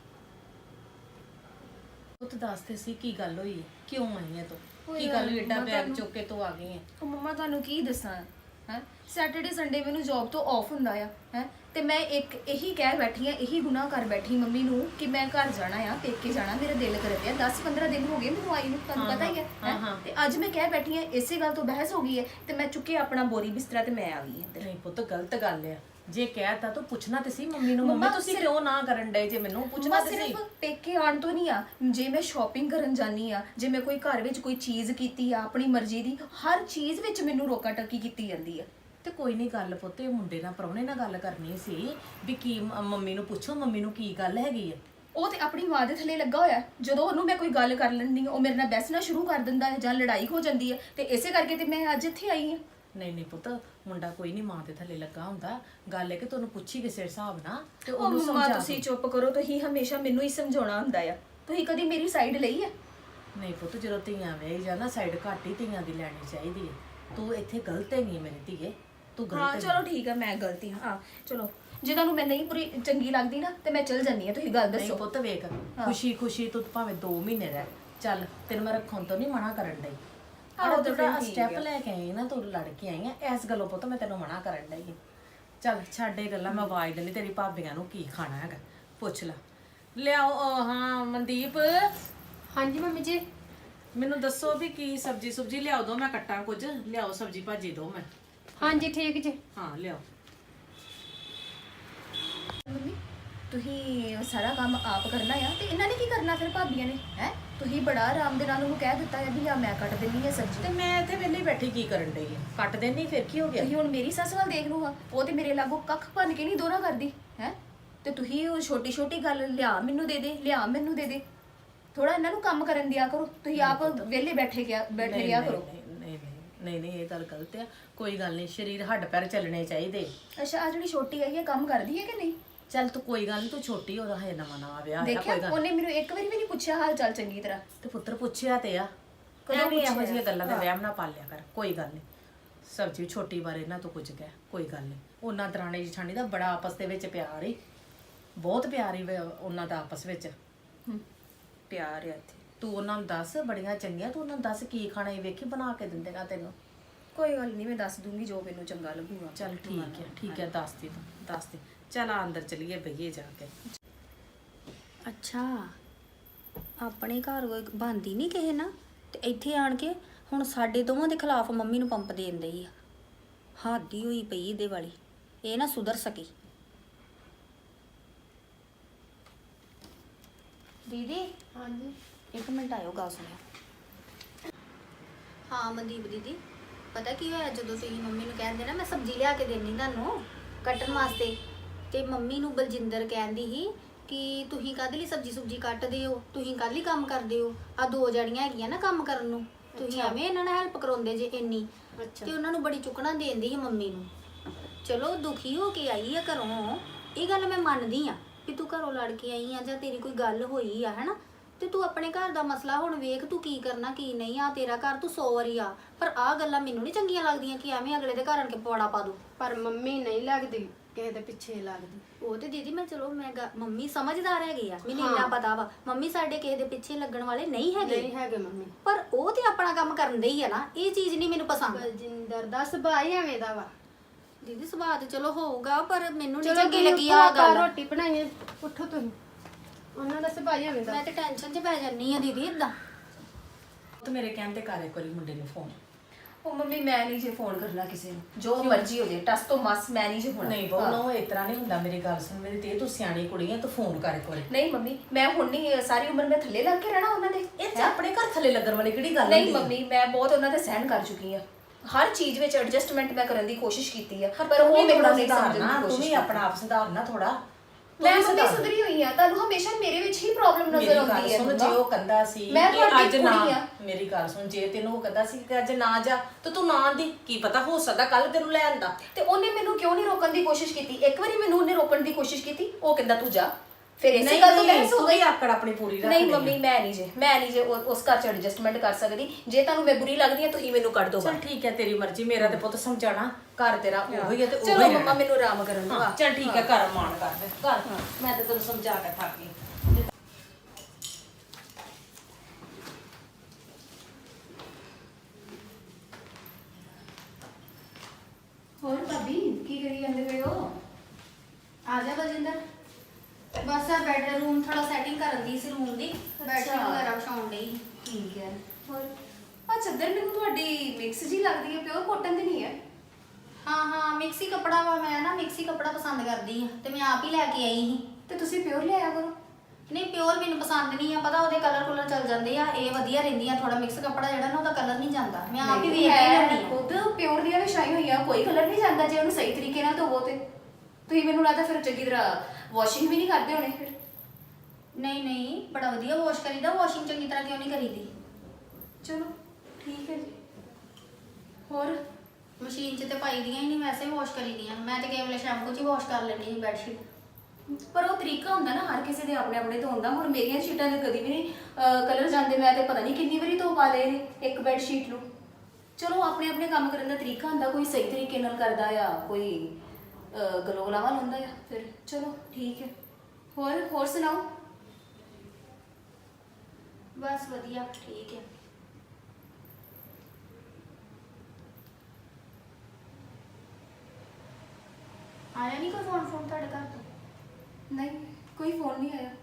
[SPEAKER 1] ਪੁੱਤ ਦੱਸ ਤੇ ਸੀ ਕੀ ਗੱਲ ਹੋਈ ਹੈ, ਕਿਉਂ ਆਈ ਹੈ ਤੂੰ?
[SPEAKER 4] ਕੋਈ
[SPEAKER 1] ਕੀ
[SPEAKER 4] ਗੱਲ
[SPEAKER 1] ਗੱਲ
[SPEAKER 4] ਨੀ,
[SPEAKER 1] ਏਡਾ
[SPEAKER 4] ਮੈਂ
[SPEAKER 1] ਬੈਗ
[SPEAKER 4] ਤੁਹਾਨੂੰ-
[SPEAKER 1] ਚੁੱਕ ਕੇ ਤੂੰ ਆ ਗਈ ਹੈ?
[SPEAKER 4] ਉਹ ਮੰਮਾ ਤੁਹਾਨੂੰ ਕੀ ਦੱਸਾਂ ਹੈ, ਸੈਟਰਡੇ ਸੰਡੇ ਮੈਨੂੰ ਜੌਬ ਤੋਂ ਆਫ ਹੁੰਦਾ ਆ ਹੈ, ਤੇ ਮੈਂ ਇੱਕ ਇਹੀ ਕਹਿ ਬੈਠੀ ਆ, ਇਹੀ ਗੁਨਾਹ ਕਰ ਬੈਠੀ ਮੰਮੀ ਨੂੰ ਕਿ ਮੈਂ ਘਰ ਜਾਣਾ ਆ, ਪੇਕੇ ਜਾਣਾ, ਮੇਰਾ ਦਿਲ ਕਰ ਪਿਆ। 10-15 ਦਿਨ ਹੋ ਗਏ ਮੈਨੂੰ ਆਈ ਨੂੰ, ਤੁਹਾਨੂੰ ਪਤਾ ਹੀ ਹੈ। ਤੇ ਅੱਜ ਮੈਂ ਕਹਿ ਬੈਠੀ ਆ, ਇਸੇ ਗੱਲ ਤੋਂ ਬਹਿਸ ਹੋ ਗਈ ਹੈ ਤੇ ਮੈਂ ਚੁੱਕੇ ਆਪਣਾ ਬੋਰੀ ਬਿਸਤਰਾ ਤੇ ਮੈਂ ਆ ਗਈ ਇੱਧਰ।
[SPEAKER 1] ਨਹੀਂ ਪੁੱਤ ਗਲਤ ਗੱਲ ਆ, ਜੇ ਕਹਿਤਾ ਤੂੰ ਪੁੱਛਣਾ ਤੇ ਸੀ ਮੰਮੀ ਨੂੰ, ਮੰਮੀ
[SPEAKER 4] ਮੰਮਾ,
[SPEAKER 1] ਤੁਸੀਂ ਕਿਉਂ ਨਾ ਕਰਨ ਡਏ ਜੇ, ਮੈਨੂੰ ਪੁੱਛਣਾ ਤੇ ਸੀ।
[SPEAKER 4] ਸਿਰਫ ਪੇਕੇ ਆਣ ਤੋਂ ਨਹੀਂ ਆ, ਜੇ ਮੈਂ ਸ਼ਾਪਿੰਗ ਕਰਨ ਜਾਨੀ ਆ, ਜੇ ਮੈਂ ਕੋਈ ਘਰ ਵਿੱਚ ਕੋਈ ਚੀਜ਼ ਕੀਤੀ ਆ ਆਪਣੀ ਮਰਜ਼ੀ ਦੀ, ਹਰ ਚੀਜ਼ ਵਿੱਚ ਮੈਨੂੰ ਰੋਕਾ ਟੱਕੀ ਕੀਤੀ ਜਾਂਦੀ ਆ।
[SPEAKER 1] ਤੇ ਕੋਈ ਨਹੀਂ ਗੱਲ ਪੁੱਤ, ਇਹ ਮੁੰਡੇ ਨਾਲ ਪ੍ਰਾਹੁਣੇ ਨਾਲ ਗੱਲ ਕਰਨੀ ਸੀ ਵੀ ਕੀ ਮੰਮੀ ਨੂੰ ਪੁੱਛੋ, ਮੰਮੀ ਨੂੰ ਕੀ ਗੱਲ ਹੈਗੀ ਆ।
[SPEAKER 4] ਉਹ ਤੇ ਆਪਣੀ ਮਾਂ ਦੇ ਥੱਲੇ ਲੱਗਾ ਹੋਇਆ, ਜਦੋਂ ਉਹਨੂੰ ਮੈਂ ਕੋਈ ਗੱਲ ਕਰ ਲੈਂਦੀ ਉਹ ਮੇਰੇ ਨਾਲ ਬਹਿਸਣਾ ਸ਼ੁਰੂ ਕਰ ਦਿੰਦਾ ਹੈ ਜਾਂ ਲੜਾਈ ਹੋ ਜਾਂਦੀ ਹੈ, ਤੇ ਇਸੇ ਕਰਕੇ ਤੇ ਮੈਂ ਅੱਜ ਇੱਥੇ ਆਈ ਹਾਂ।
[SPEAKER 1] ਨਹੀਂ ਪੁੱਤ, ਮੁੰਡਾ ਕੋਈ ਨਹੀਂ ਮਾਂ ਦੇ ਥੱਲੇ ਲੱਗਾ ਹੁੰਦਾ, ਗੱਲ ਹੈ ਕਿ ਤੁਹਾਨੂੰ ਪੁੱਛੀ ਕਿਸੇ ਹਿਸਾਬ ਨਾਲ ਤੇ
[SPEAKER 4] ਉਹ
[SPEAKER 1] ਉਹਨੂੰ
[SPEAKER 4] ਮੰਮਾ
[SPEAKER 1] ਸਮਝਾ
[SPEAKER 4] ਤੁਸੀਂ ਚੁੱਪ ਕਰੋ, ਤੁਸੀਂ ਹਮੇਸ਼ਾ ਮੈਨੂੰ ਹੀ ਸਮਝਾਉਣਾ ਹੁੰਦਾ ਆ। ਤੁਸੀਂ ਕਦੀ ਮੇਰੀ ਸਾਈਡ ਲਈ ਹੈ?
[SPEAKER 1] ਨਹੀਂ ਪੁੱਤ, ਜਦੋਂ ਧੀਆਂ ਵਿਆਹੀ ਜਾਂਦਾ ਸਾਈਡ ਘੱਟ ਹੀ ਧੀਆਂ ਦੀ ਲੈਣੀ ਚਾਹੀਦੀ ਹੈ। ਤੂੰ ਇੱਥੇ ਗਲਤ ਹੈਗੀ ਮੇਰੀ ਧੀਏ, ਤੂੰ
[SPEAKER 4] ਹਾਂ
[SPEAKER 1] ਗਲਤ
[SPEAKER 4] ਚਲੋ ਠੀਕ ਹੈ, ਮੈਂ ਗਲਤੀ ਹਾਂ। ਚਲੋ ਜੇ ਤੁਹਾਨੂੰ ਮੈਂ ਨਹੀਂ ਪੂਰੀ ਚੰਗੀ ਲੱਗਦੀ ਨਾ ਤੇ ਮੈਂ ਚਲ ਜਾਂਦੀ ਹਾਂ, ਤੁਸੀਂ ਗੱਲ
[SPEAKER 1] ਨਹੀਂ
[SPEAKER 4] ਦੱਸੋ।
[SPEAKER 1] ਪੁੱਤ ਵੇਖ, ਖੁਸ਼ੀ ਤੂੰ ਭਾਵੇਂ 2 ਮਹੀਨੇ ਰਹਿ, ਚੱਲ ਤੈਨੂੰ ਮੈਂ ਰੱਖਣ ਤੋਂ ਨਹੀਂ ਮਨਾ ਕਰਨ ਡਈ।
[SPEAKER 4] ਆਹੋ ਤੇ ਫਿਰ ਠੀਕ
[SPEAKER 1] ਸਟੈਪ ਲੈ ਕੇ ਆਈ ਨਾ, ਤੂੰ ਲੜ ਕੇ ਆਈ ਆ, ਇਸ ਗੱਲੋਂ ਪੁੱਤ ਮੈਂ ਤੈਨੂੰ ਮਨਾ ਕਰਨ ਡਈ। ਚੱਲ ਛੱਡ ਇਹ ਗੱਲਾਂ, ਮੈਂ ਆਵਾਜ਼ ਦਿੰਦੀ ਤੇਰੀ ਭਾਬੀਆਂ ਨੂੰ ਕੀ ਖਾਣਾ ਹੈਗਾ, ਪੁੱਛ ਲੈ। ਲਿਆਓ ਹਾਂ ਮਨਦੀਪ,
[SPEAKER 2] ਹਾਂਜੀ ਮੰਮੀ ਜੀ।
[SPEAKER 1] ਮੈਨੂੰ ਦੱਸੋ ਵੀ ਕੀ ਸਬਜੀ ਲਿਆਓ, ਦੋ ਮੈਂ ਕੱਟਾਂ ਕੁਝ, ਲਿਆਓ ਸਬਜੀ ਭਾਜੀ ਦੋ ਮੈਂ।
[SPEAKER 2] ਹਾਂਜੀ ਠੀਕ ਜੀ।
[SPEAKER 1] ਹਾਂ ਲਿਆਓ।
[SPEAKER 4] ਮੰਮੀ ਤੁਸੀਂ ਸਾਰਾ ਕੰਮ ਆਪ ਕਰਨਾ ਆ ਤੇ ਇਹਨਾਂ ਨੇ ਕੀ ਕਰਨਾ ਫਿਰ ਭਾਬੀਆਂ ਨੇ? ਹੈ ਤੁਸੀਂ ਬੜਾ ਆਰਾਮ ਦੇ ਨਾਲ ਉਹਨੂੰ ਕਹਿ ਦਿੱਤਾ ਹੈ ਵੀ ਆ ਮੈਂ ਕੱਟ ਦਿੰਨੀ ਹੈ ਸਬਜ਼ੀ,
[SPEAKER 1] ਤੇ ਮੈਂ ਇੱਥੇ ਵਿਹਲੀ ਬੈਠੀ ਕੀ ਕਰਨ ਡਈ ਆ? ਕੱਟ ਦੇਣੀ ਫਿਰ ਕੀ ਹੋ ਗਿਆ?
[SPEAKER 4] ਤੁਸੀਂ ਹੁਣ ਮੇਰੀ ਸੱਸ ਵੱਲ ਦੇਖ ਲਓ ਹਾਂ, ਉਹ ਤੇ ਮੇਰੇ ਲਾਗੋਂ ਕੱਖ ਭੰਨ ਕੇ ਨਹੀਂ ਦੋਨਾ ਕਰਦੀ ਹੈ, ਤੇ ਤੁਸੀਂ ਉਹ ਛੋਟੀ ਛੋਟੀ ਗੱਲ ਲਿਆ ਮੈਨੂੰ ਦੇ ਦੇ, ਲਿਆ ਮੈਨੂੰ ਦੇ ਦੇ। ਥੋੜਾ ਇਹਨਾਂ ਨੂੰ ਕੰਮ ਕਰਨ ਦਿਆ ਕਰੋ, ਤੁਸੀਂ ਆਪ ਵਿਹਲੇ ਬੈਠੇ ਰਿਹਾ ਕਰੋ।
[SPEAKER 1] ਨਹੀਂ ਇਹ ਗੱਲ ਗਲਤ ਆ, ਕੋਈ ਗੱਲ ਨਹੀਂ, ਸਰੀਰ ਹੱਡ ਪੈਰ ਚੱਲਣੇ ਚਾਹੀਦੇ।
[SPEAKER 4] ਅੱਛਾ ਆ ਜਿਹੜੀ ਛੋਟੀ ਆਈ ਹੈ ਕੰਮ ਕਰਦੀ ਹੈ ਕਿ ਨਹੀਂ?
[SPEAKER 1] ਚੱਲ ਤੂੰ ਕੋਈ ਗੱਲ ਨਹੀਂ, ਤੂੰ ਛੋਟੀ ਉਹਦਾ ਹਜੇ ਨਵਾਂ ਵਿਆਹ ਹੋਇਆ,
[SPEAKER 4] ਦੇਖਿਆ
[SPEAKER 1] ਕੋਈ ਗੱਲ
[SPEAKER 4] ਉਹਨੇ ਮੈਨੂੰ ਇੱਕ ਵਾਰੀ ਵੀ ਨਹੀਂ ਪੁੱਛਿਆ ਹਾਲ ਚਾਲ ਚੰਗੀ ਤਰ੍ਹਾਂ।
[SPEAKER 1] ਤੇ ਪੁੱਤਰ ਪੁੱਛਿਆ ਤੇ ਆ,
[SPEAKER 4] ਕਦੋਂ
[SPEAKER 1] ਵੀ ਇਹੋ
[SPEAKER 4] ਪੁੱਛਿਆ?
[SPEAKER 1] ਜਿਹੀਆਂ ਗੱਲਾਂ ਦਾ ਵਹਿਮ ਨਾ ਪਾਲਿਆ ਕਰ, ਕੋਈ ਗੱਲ ਨਹੀਂ। ਸਬਜ਼ੀ ਛੋਟੀ ਬਾਰੇ ਨਾ ਤੂੰ ਕੁਝ ਕਹਿ, ਕੋਈ ਗੱਲ ਨਹੀਂ। ਉਹਨਾਂ ਦਰਾਣੇ ਜਠਾਣੀ ਦਾ ਬੜਾ ਆਪਸ ਦੇ ਵਿੱਚ ਪਿਆਰ ਹੀ, ਬਹੁਤ ਪਿਆਰ ਹੀ ਉਹਨਾਂ ਦਾ ਆਪਸ ਵਿੱਚ।
[SPEAKER 4] ਪਿਆਰ ਆ ਇੱਥੇ।
[SPEAKER 1] ਤੂੰ ਉਹਨਾਂ ਨੂੰ ਦੱਸ, ਬੜੀਆਂ ਚੰਗੀਆਂ, ਤੂੰ ਉਹਨਾਂ ਨੂੰ ਦੱਸ ਕੀ ਖਾਣਾ ਹੀ, ਵੇਖੀ ਬਣਾ ਕੇ ਦਿੰਦੇਗਾ ਤੈਨੂੰ।
[SPEAKER 4] ਕੋਈ ਗੱਲ ਨਹੀਂ, ਮੈਂ ਦੱਸ ਦੂੰਗੀ ਜੋ ਮੈਨੂੰ ਚੰਗਾ ਲੱਗੂਗਾ।
[SPEAKER 1] ਚੱਲ ਠੀਕ ਹੈ ਦੱਸਦੀ ਤੂੰ, ਦੱਸਦੀ। ਚੱਲ ਆ ਅੰਦਰ ਚਲੀਏ ਬਈਏ ਜਾ ਕੇ।
[SPEAKER 3] ਅੱਛਾ, ਆਪਣੇ ਘਰ ਕੋਈ ਬੰਦੀ ਨਹੀਂ ਕਿਸੇ ਨਾ, ਤੇ ਇੱਥੇ ਆਣ ਕੇ ਹੁਣ ਸਾਡੇ ਦੋਵਾਂ ਦੇ ਖਿਲਾਫ ਮੰਮੀ ਨੂੰ ਪੰਪ ਦੇਣ ਦਈ ਆ। ਹਾਦੀ ਹੋਈ ਪਈ ਇਹਦੇ ਵਾਲੀ, ਇਹ ਨਾ ਸੁਧਰ ਸਕੀ। ਦੀਦੀ
[SPEAKER 2] ਹਾਂਜੀ
[SPEAKER 3] ਇੱਕ ਮਿੰਟ ਆਇਓ, ਗੱਲ ਸੁਣਿਓ। ਹਾਂ ਮਨਦੀਪ ਦੀਦੀ, ਪਤਾ ਕੀ ਹੋਇਆ ਜਦੋਂ ਤੁਸੀਂ ਮੰਮੀ ਨੂੰ ਕਹਿੰਦੇ ਨਾ ਮੈਂ ਸਬਜ਼ੀ ਲਿਆ ਕੇ ਦੇਣੀ ਤੁਹਾਨੂੰ ਕੱਟਣ ਵਾਸਤੇ, ਤੇ ਮੰਮੀ ਨੂੰ ਬਲਜਿੰਦਰ ਕਹਿੰਦੀ ਸੀ ਕਿ ਤੁਸੀਂ ਕਾਹਦੇ ਲਈ ਸਬਜ਼ੀ ਸੁਬਜੀ ਕੱਟਦੇ ਹੋ, ਤੁਸੀਂ ਕਾਹਦੇ ਲਈ ਕੰਮ ਕਰਦੇ ਹੋ, ਆ ਦੋ ਜਣੀਆਂ ਹੈਗੀਆਂ ਨਾ ਕੰਮ ਕਰਨ ਨੂੰ, ਤੁਸੀਂ
[SPEAKER 2] ਅੱਛਾ।
[SPEAKER 3] ਐਵੇਂ ਇਹਨਾਂ ਨਾਲ ਹੈਲਪ ਕਰਾਉਂਦੇ ਜੇ ਇੰਨੀ।
[SPEAKER 2] ਅੱਛਾ
[SPEAKER 3] ਤੇ ਉਹਨਾਂ ਨੂੰ ਬੜੀ ਚੁੱਕਣਾ ਦੇਂਦੀ ਸੀ ਮੰਮੀ ਨੂੰ। ਚਲੋ ਦੁਖੀ ਹੋ ਕੇ ਆਈ ਆ ਘਰੋਂ, ਇਹ ਗੱਲ ਮੈਂ ਮੰਨਦੀ ਆ ਕਿ ਤੂੰ ਘਰੋਂ ਲੜ ਕੇ ਆਈ ਆ ਜਾਂ ਤੇਰੀ ਕੋਈ ਗੱਲ ਹੋਈ ਆ ਹੈਨਾ, ਤੇ ਤੂੰ ਆਪਣੇ ਘਰ ਦਾ ਮਸਲਾ ਹੁਣ ਵੇਖ, ਤੂੰ ਕੀ ਕਰਨਾ ਕੀ ਨਹੀਂ ਆ, ਤੇਰਾ ਘਰ ਤੂੰ 100 ਵਾਰੀ ਆ। ਪਰ ਆਹ ਗੱਲਾਂ ਮੈਨੂੰ ਨਹੀਂ ਚੰਗੀਆਂ ਲੱਗਦੀਆਂ ਕਿ ਐਵੇਂ ਅਗਲੇ ਦੇ ਘਰ ਆਣ ਕੇ ਪਵਾੜਾ ਪਾ ਦੂ।
[SPEAKER 2] ਪਰ ਮੰਮੀ ਨਹੀਂ ਲੱਗਦੀ ਕਿਸੇ ਦੇ ਪਿੱਛੇ ਲੱਗਦੀ।
[SPEAKER 3] ਉਹ ਤੇ ਦੀਦੀ ਮੈਂ ਚਲੋ ਮੰਮੀ ਸਮਝਦਾਰ ਹੈਗੇ ਆ, ਮੈਨੂੰ
[SPEAKER 2] ਹਾਂ।
[SPEAKER 3] ਇੰਨਾ ਪਤਾ ਵਾ ਮੰਮੀ ਸਾਡੇ ਕਿਸੇ ਦੇ ਪਿੱਛੇ ਲੱਗਣ ਵਾਲੇ ਨਹੀਂ
[SPEAKER 2] ਨਹੀਂ
[SPEAKER 3] ਹੈਗੇ,
[SPEAKER 2] ਹੈਗੇ ਮੰਮੀ।
[SPEAKER 3] ਪਰ ਉਹ ਤੇ ਆਪਣਾ ਕੰਮ ਕਰਨ ਦੇ ਹੀ ਆ ਨਾ, ਇਹ ਚੀਜ਼ ਨਹੀਂ ਮੈਨੂੰ ਪਸੰਦ।
[SPEAKER 2] ਬਲਜਿੰਦਰ ਦਾ ਸੁਭਾਅ ਹੀ ਐਵੇਂ ਦਾ ਵਾ।
[SPEAKER 3] ਦੀਦੀ ਸੁਭਾਅ ਤੇ ਚਲੋ ਹੋਊਗਾ, ਪਰ ਮੈਨੂੰ ਨਹੀਂ
[SPEAKER 2] ਚਲੋ
[SPEAKER 3] ਚੰਗੀ
[SPEAKER 2] ਤੁਸੀਂ
[SPEAKER 3] ਲੱਗੀ
[SPEAKER 2] ਉੱਠੋ,
[SPEAKER 3] ਆ
[SPEAKER 2] ਆਪਾਂ
[SPEAKER 3] ਗੱਲ।
[SPEAKER 2] ਰੋਟੀ ਬਣਾਈਏ, ਉੱਠੋ ਤੁਸੀਂ। ਉਹਨਾਂ ਦਾ ਸੁਭਾਅ ਹੀ ਐਵੇਂ ਦਾ।
[SPEAKER 3] ਮੈਂ ਤੇ ਟੈਨਸ਼ਨ 'ਚ ਪੈ ਜਾਨੀ ਆ ਦੀਦੀ ਇਦਾਂ।
[SPEAKER 1] ਤੂੰ ਮੇਰੇ ਕਹਿਣ ਤੇ ਕਰ ਇੱਕ ਵਾਰੀ ਮੁੰਡੇ ਨੂੰ ਫੋਨ।
[SPEAKER 4] ਉਹ ਮੰਮੀ ਮੈਂ ਨਹੀਂ ਜੇ ਫੋਨ ਕਰਨਾ ਕਿਸੇ ਨੂੰ, ਜੋ ਮਰਜ਼ੀ ਹੋ ਜੇ, ਟਸ ਤੋਂ ਮਸ ਮੈਂ ਨਹੀਂ ਜੇ ਹੋਣਾ।
[SPEAKER 1] ਨਹੀਂ ਬਹੁ ਨਾ ਇਸ ਤਰ੍ਹਾਂ ਨਹੀਂ ਹੁੰਦਾ, ਮੇਰੀ ਗੱਲ ਸੁਣ, ਮੇਰੀ ਤੇ ਤੂੰ ਸਿਆਣੀ ਕੁੜੀ ਆ, ਤੂੰ ਫੋਨ ਕਰ ਇੱਕ ਵਾਰੀ।
[SPEAKER 4] ਨਹੀਂ ਮੰਮੀ ਮੈਂ ਹੁਣ ਨਹੀਂ, ਸਾਰੀ ਉਮਰ ਮੈਂ ਥੱਲੇ ਲੱਗ ਕੇ ਰਹਿਣਾ ਉਹਨਾਂ ਦੇ।
[SPEAKER 1] ਇਹ ਚ ਆਪਣੇ ਘਰ ਥੱਲੇ ਲੱਗਣ ਵਾਲੀ ਕਿਹੜੀ ਗੱਲ
[SPEAKER 4] ਨਹੀਂ
[SPEAKER 1] ਹੁੰਦੀ ਆ?
[SPEAKER 4] ਮੰਮੀ ਮੈਂ ਬਹੁਤ ਉਹਨਾਂ ਤੇ ਸਹਿਣ ਕਰ ਚੁੱਕੀ ਆ, ਹਰ ਚੀਜ਼ ਵਿੱਚ ਐਡਜਸਟਮੈਂਟ ਮੈਂ ਕਰਨ ਦੀ ਕੋਸ਼ਿਸ਼ ਕੀਤੀ ਆ, ਪਰ ਉਹ ਮੈਨੂੰ ਨਹੀਂ ਸਮਝਣ ਦੀ
[SPEAKER 1] ਤੂੰ
[SPEAKER 4] ਕੋਸ਼ਿਸ਼
[SPEAKER 1] ਵੀ ਆਪਣਾ ਆਪ ਸੁਧਾਰਨਾ ਥੋੜਾ।
[SPEAKER 4] ਮੈਂ ਮੰਮੀ ਸੁਧਰੀ ਹੋਈ ਆ, ਤੁਹਾਨੂੰ ਹਮੇਸ਼ਾ ਮੇਰੇ ਵਿੱਚ ਹੀ ਪ੍ਰੋਬਲਮ ਨਜ਼ਰ ਆਉਂਦੀ ਹੈ।
[SPEAKER 1] ਸੁਣ, ਜੇ ਉਹ ਕਹਿੰਦਾ ਸੀ
[SPEAKER 4] ਮੈਂ
[SPEAKER 1] ਕਿ
[SPEAKER 4] ਤੁਹਾਡੀ
[SPEAKER 1] ਅੱਜ ਨਾ,
[SPEAKER 4] ਕੁੜੀ ਆ।
[SPEAKER 1] ਮੇਰੀ ਗੱਲ ਸੁਣ, ਜੇ ਤੈਨੂੰ ਉਹ ਕਹਿੰਦਾ ਸੀ ਕਿ ਅੱਜ ਨਾ ਜਾ ਤੇ ਤੂੰ ਨਾ ਦੀ, ਕੀ ਪਤਾ ਹੋ ਸਕਦਾ ਕੱਲ ਤੈਨੂੰ ਲੈ ਆਂਦਾ।
[SPEAKER 4] ਤੇ ਉਹਨੇ ਮੈਨੂੰ ਕਿਉਂ ਨਹੀਂ ਰੋਕਣ ਦੀ ਕੋਸ਼ਿਸ਼ ਕੀਤੀ? ਇੱਕ ਵਾਰੀ ਮੈਨੂੰ ਉਹਨੇ ਰੋਕਣ ਦੀ ਕੋਸ਼ਿਸ਼ ਕੀਤੀ, ਉਹ ਕਹਿੰਦਾ ਤੂੰ ਜਾ, ਫਿਰ ਇਸੇ ਗੱਲ ਤੋਂ ਬਹਿਸ ਹੋ
[SPEAKER 1] ਤੂੰ
[SPEAKER 4] ਗਈ।
[SPEAKER 1] ਵੀ ਆਕੜ ਆਪਣੀ ਪੂਰੀ ਰੱਖ
[SPEAKER 4] ਨਹੀਂ
[SPEAKER 1] ਲਈ।
[SPEAKER 4] ਮੰਮੀ ਮੈਂ ਨਹੀਂ ਜੇ ਉਸ ਘਰ ਚ ਐਡਜਸਟਮੈਂਟ ਕਰ ਸਕਦੀ। ਜੇ ਤੁਹਾਨੂੰ ਮੈਂ ਬੁਰੀ ਲੱਗਦੀ ਆ ਤੁਸੀਂ ਮੈਨੂੰ ਕੱਢ ਦੋ
[SPEAKER 1] ਚਲ ਠੀਕ ਹੈ, ਤੇਰੀ ਮਰਜ਼ੀ, ਮੇਰਾ ਤੇ ਪੁੱਤ ਸਮਝਾਣਾ, ਘਰ ਤੇਰਾ ਉਹੀ ਹੈ ਤੇ ਉਹੀ
[SPEAKER 4] ਚਲੋ
[SPEAKER 1] ਰਹਿਣਾ।
[SPEAKER 4] ਮੰਮਾ ਮੈਨੂੰ ਆਰਾਮ ਕਰਨ ਦਿਓ।
[SPEAKER 1] ਚਲ ਠੀਕ ਹੈ, ਘਰ ਮਾਣ ਕਰ ਦੇ ਘਰ। ਮੈਂ ਤੇ ਤੈਨੂੰ ਸਮਝਾ ਕੇ ਥੱਕ ਗਈ।
[SPEAKER 4] ਹੋਰ ਭਾਬੀ ਕੀ ਕਰੀ ਜਾਂਦੇ ਪਏ ਹੋ?
[SPEAKER 3] ਆ ਜਾ ਬਲਜਿੰਦਰ, ਬਸ ਆ ਬੈਡਰੂਮ ਥੋੜਾ ਸੈਟਿੰਗ ਕਰਨ ਦੀ ਸੀ ਰੂਮ ਦੀ, ਬੈਡਸ਼ੀਟ ਵਗੈਰਾ ਵਿਛਾਉਣ ਲਈ।
[SPEAKER 4] ਠੀਕ ਹੈ। ਹੋਰ ਆ ਚੱਦਰ ਮੈਨੂੰ ਤੁਹਾਡੀ ਮਿਕਸ ਜੀ ਲੱਗਦੀ ਹੈ, ਪਿਓਰ ਕਾਟਨ ਤੇ ਨਹੀਂ ਹੈ?
[SPEAKER 3] ਹਾਂ ਮਿਕਸੀ ਕੱਪੜਾ ਵਾ, ਮੈਂ ਨਾ ਮਿਕਸੀ ਕੱਪੜਾ ਪਸੰਦ ਕਰਦੀ ਆ ਤੇ ਮੈਂ ਆਪ ਹੀ ਲੈ ਕੇ ਆਈ ਸੀ।
[SPEAKER 4] ਤੇ ਤੁਸੀਂ ਪਿਓਰ ਲਿਆਇਆ ਕਰੋ।
[SPEAKER 3] ਨਹੀਂ ਪਿਓਰ ਮੈਨੂੰ ਪਸੰਦ ਨਹੀਂ ਆ, ਪਤਾ ਉਹਦੇ ਕਲਰ ਚੱਲ ਜਾਂਦੇ ਆ, ਇਹ ਵਧੀਆ ਰਹਿੰਦੀਆਂ। ਥੋੜਾ ਮਿਕਸ ਕੱਪੜਾ ਜਿਹੜਾ ਨਾ ਉਹਦਾ ਕਲਰ ਨਹੀਂ ਜਾਂਦਾ, ਮੈਂ ਆਪ ਹੀ ਵੇਖ ਕੇ ਲੈਂਦੀ ਆ।
[SPEAKER 4] ਖੁਦ ਪਿਓਰ ਦੀਆਂ ਵਿਛਾਈ ਹੋਈਆਂ, ਕੋਈ ਕਲਰ ਨਹੀਂ ਜਾਂਦਾ ਜੇ ਉਹਨੂੰ ਸਹੀ ਤਰੀਕੇ ਨਾਲ ਧੋਵੋ ਤੇ। ਤੁਸੀਂ ਮੈਨੂੰ ਲੱਗਦਾ ਫਿਰ ਚੰਗੀ ਤਰ੍ਹਾਂ ਵਾਸ਼ਿੰਗ ਵੀ ਨਹੀਂ ਕਰਦੇ ਹੋਣੇ ਫਿਰ।
[SPEAKER 3] ਨਹੀਂ ਬੜਾ ਵਧੀਆ ਵਾਸ਼ ਕਰੀਦਾ, ਵਾਸ਼ਿੰਗ ਚੰਗੀ ਤਰ੍ਹਾਂ ਕਿਉਂ ਨਹੀਂ ਕਰੀਦੀ?
[SPEAKER 4] ਚਲੋ ਠੀਕ ਹੈ ਜੀ। ਹੋਰ
[SPEAKER 3] ਮਸ਼ੀਨ 'ਚ ਤੇ ਪਾਈ ਦੀਆਂ ਹੀ ਨਹੀਂ, ਵੈਸੇ ਵਾਸ਼ ਕਰੀਦੀਆਂ। ਮੈਂ ਤੇ ਕੇਵਲ ਸ਼ੈਂਪੂ 'ਚ ਹੀ ਵਾਸ਼ ਕਰ ਲੈਂਦੀ ਸੀ ਬੈਡਸ਼ੀਟ।
[SPEAKER 4] ਪਰ ਉਹ ਤਰੀਕਾ ਹੁੰਦਾ ਨਾ ਹਰ ਕਿਸੇ ਦੇ ਆਪਣੇ ਆਪਣੇ ਧੋਣ ਦਾ। ਹੁਣ ਮੇਰੀਆਂ ਸ਼ੀਟਾਂ ਦੇ ਕਦੀ ਵੀ ਨਹੀਂ ਕਲਰ ਜਾਂਦੇ, ਮੈਂ ਤੇ ਪਤਾ ਨਹੀਂ ਕਿੰਨੀ ਵਾਰੀ ਧੋ ਪਾ ਲਏ ਨੇ ਇੱਕ ਬੈੱਡ ਸ਼ੀਟ ਨੂੰ। ਚਲੋ ਆਪਣੇ ਆਪਣੇ ਕੰਮ ਕਰਨ ਦਾ ਤਰੀਕਾ ਹੁੰਦਾ, ਕੋਈ ਸਹੀ ਤਰੀਕੇ ਨਾਲ ਕਰਦਾ ਆ, ਕੋਈ ਗਲੋਗਲਾਵਾ ਲਾਉਂਦਾ ਆ। ਫਿਰ ਚਲੋ ਠੀਕ ਹੈ। ਹੋਰ ਸੁਣਾਓ?
[SPEAKER 3] ਬਸ ਵਧੀਆ ਠੀਕ ਹੈ। ਆਇਆ ਨਹੀਂ ਕੋਈ ਫੋਨ ਤੁਹਾਡੇ ਘਰ ਤੋਂ?
[SPEAKER 4] ਨਹੀਂ ਕੋਈ ਫੋਨ ਨਹੀਂ ਆਇਆ।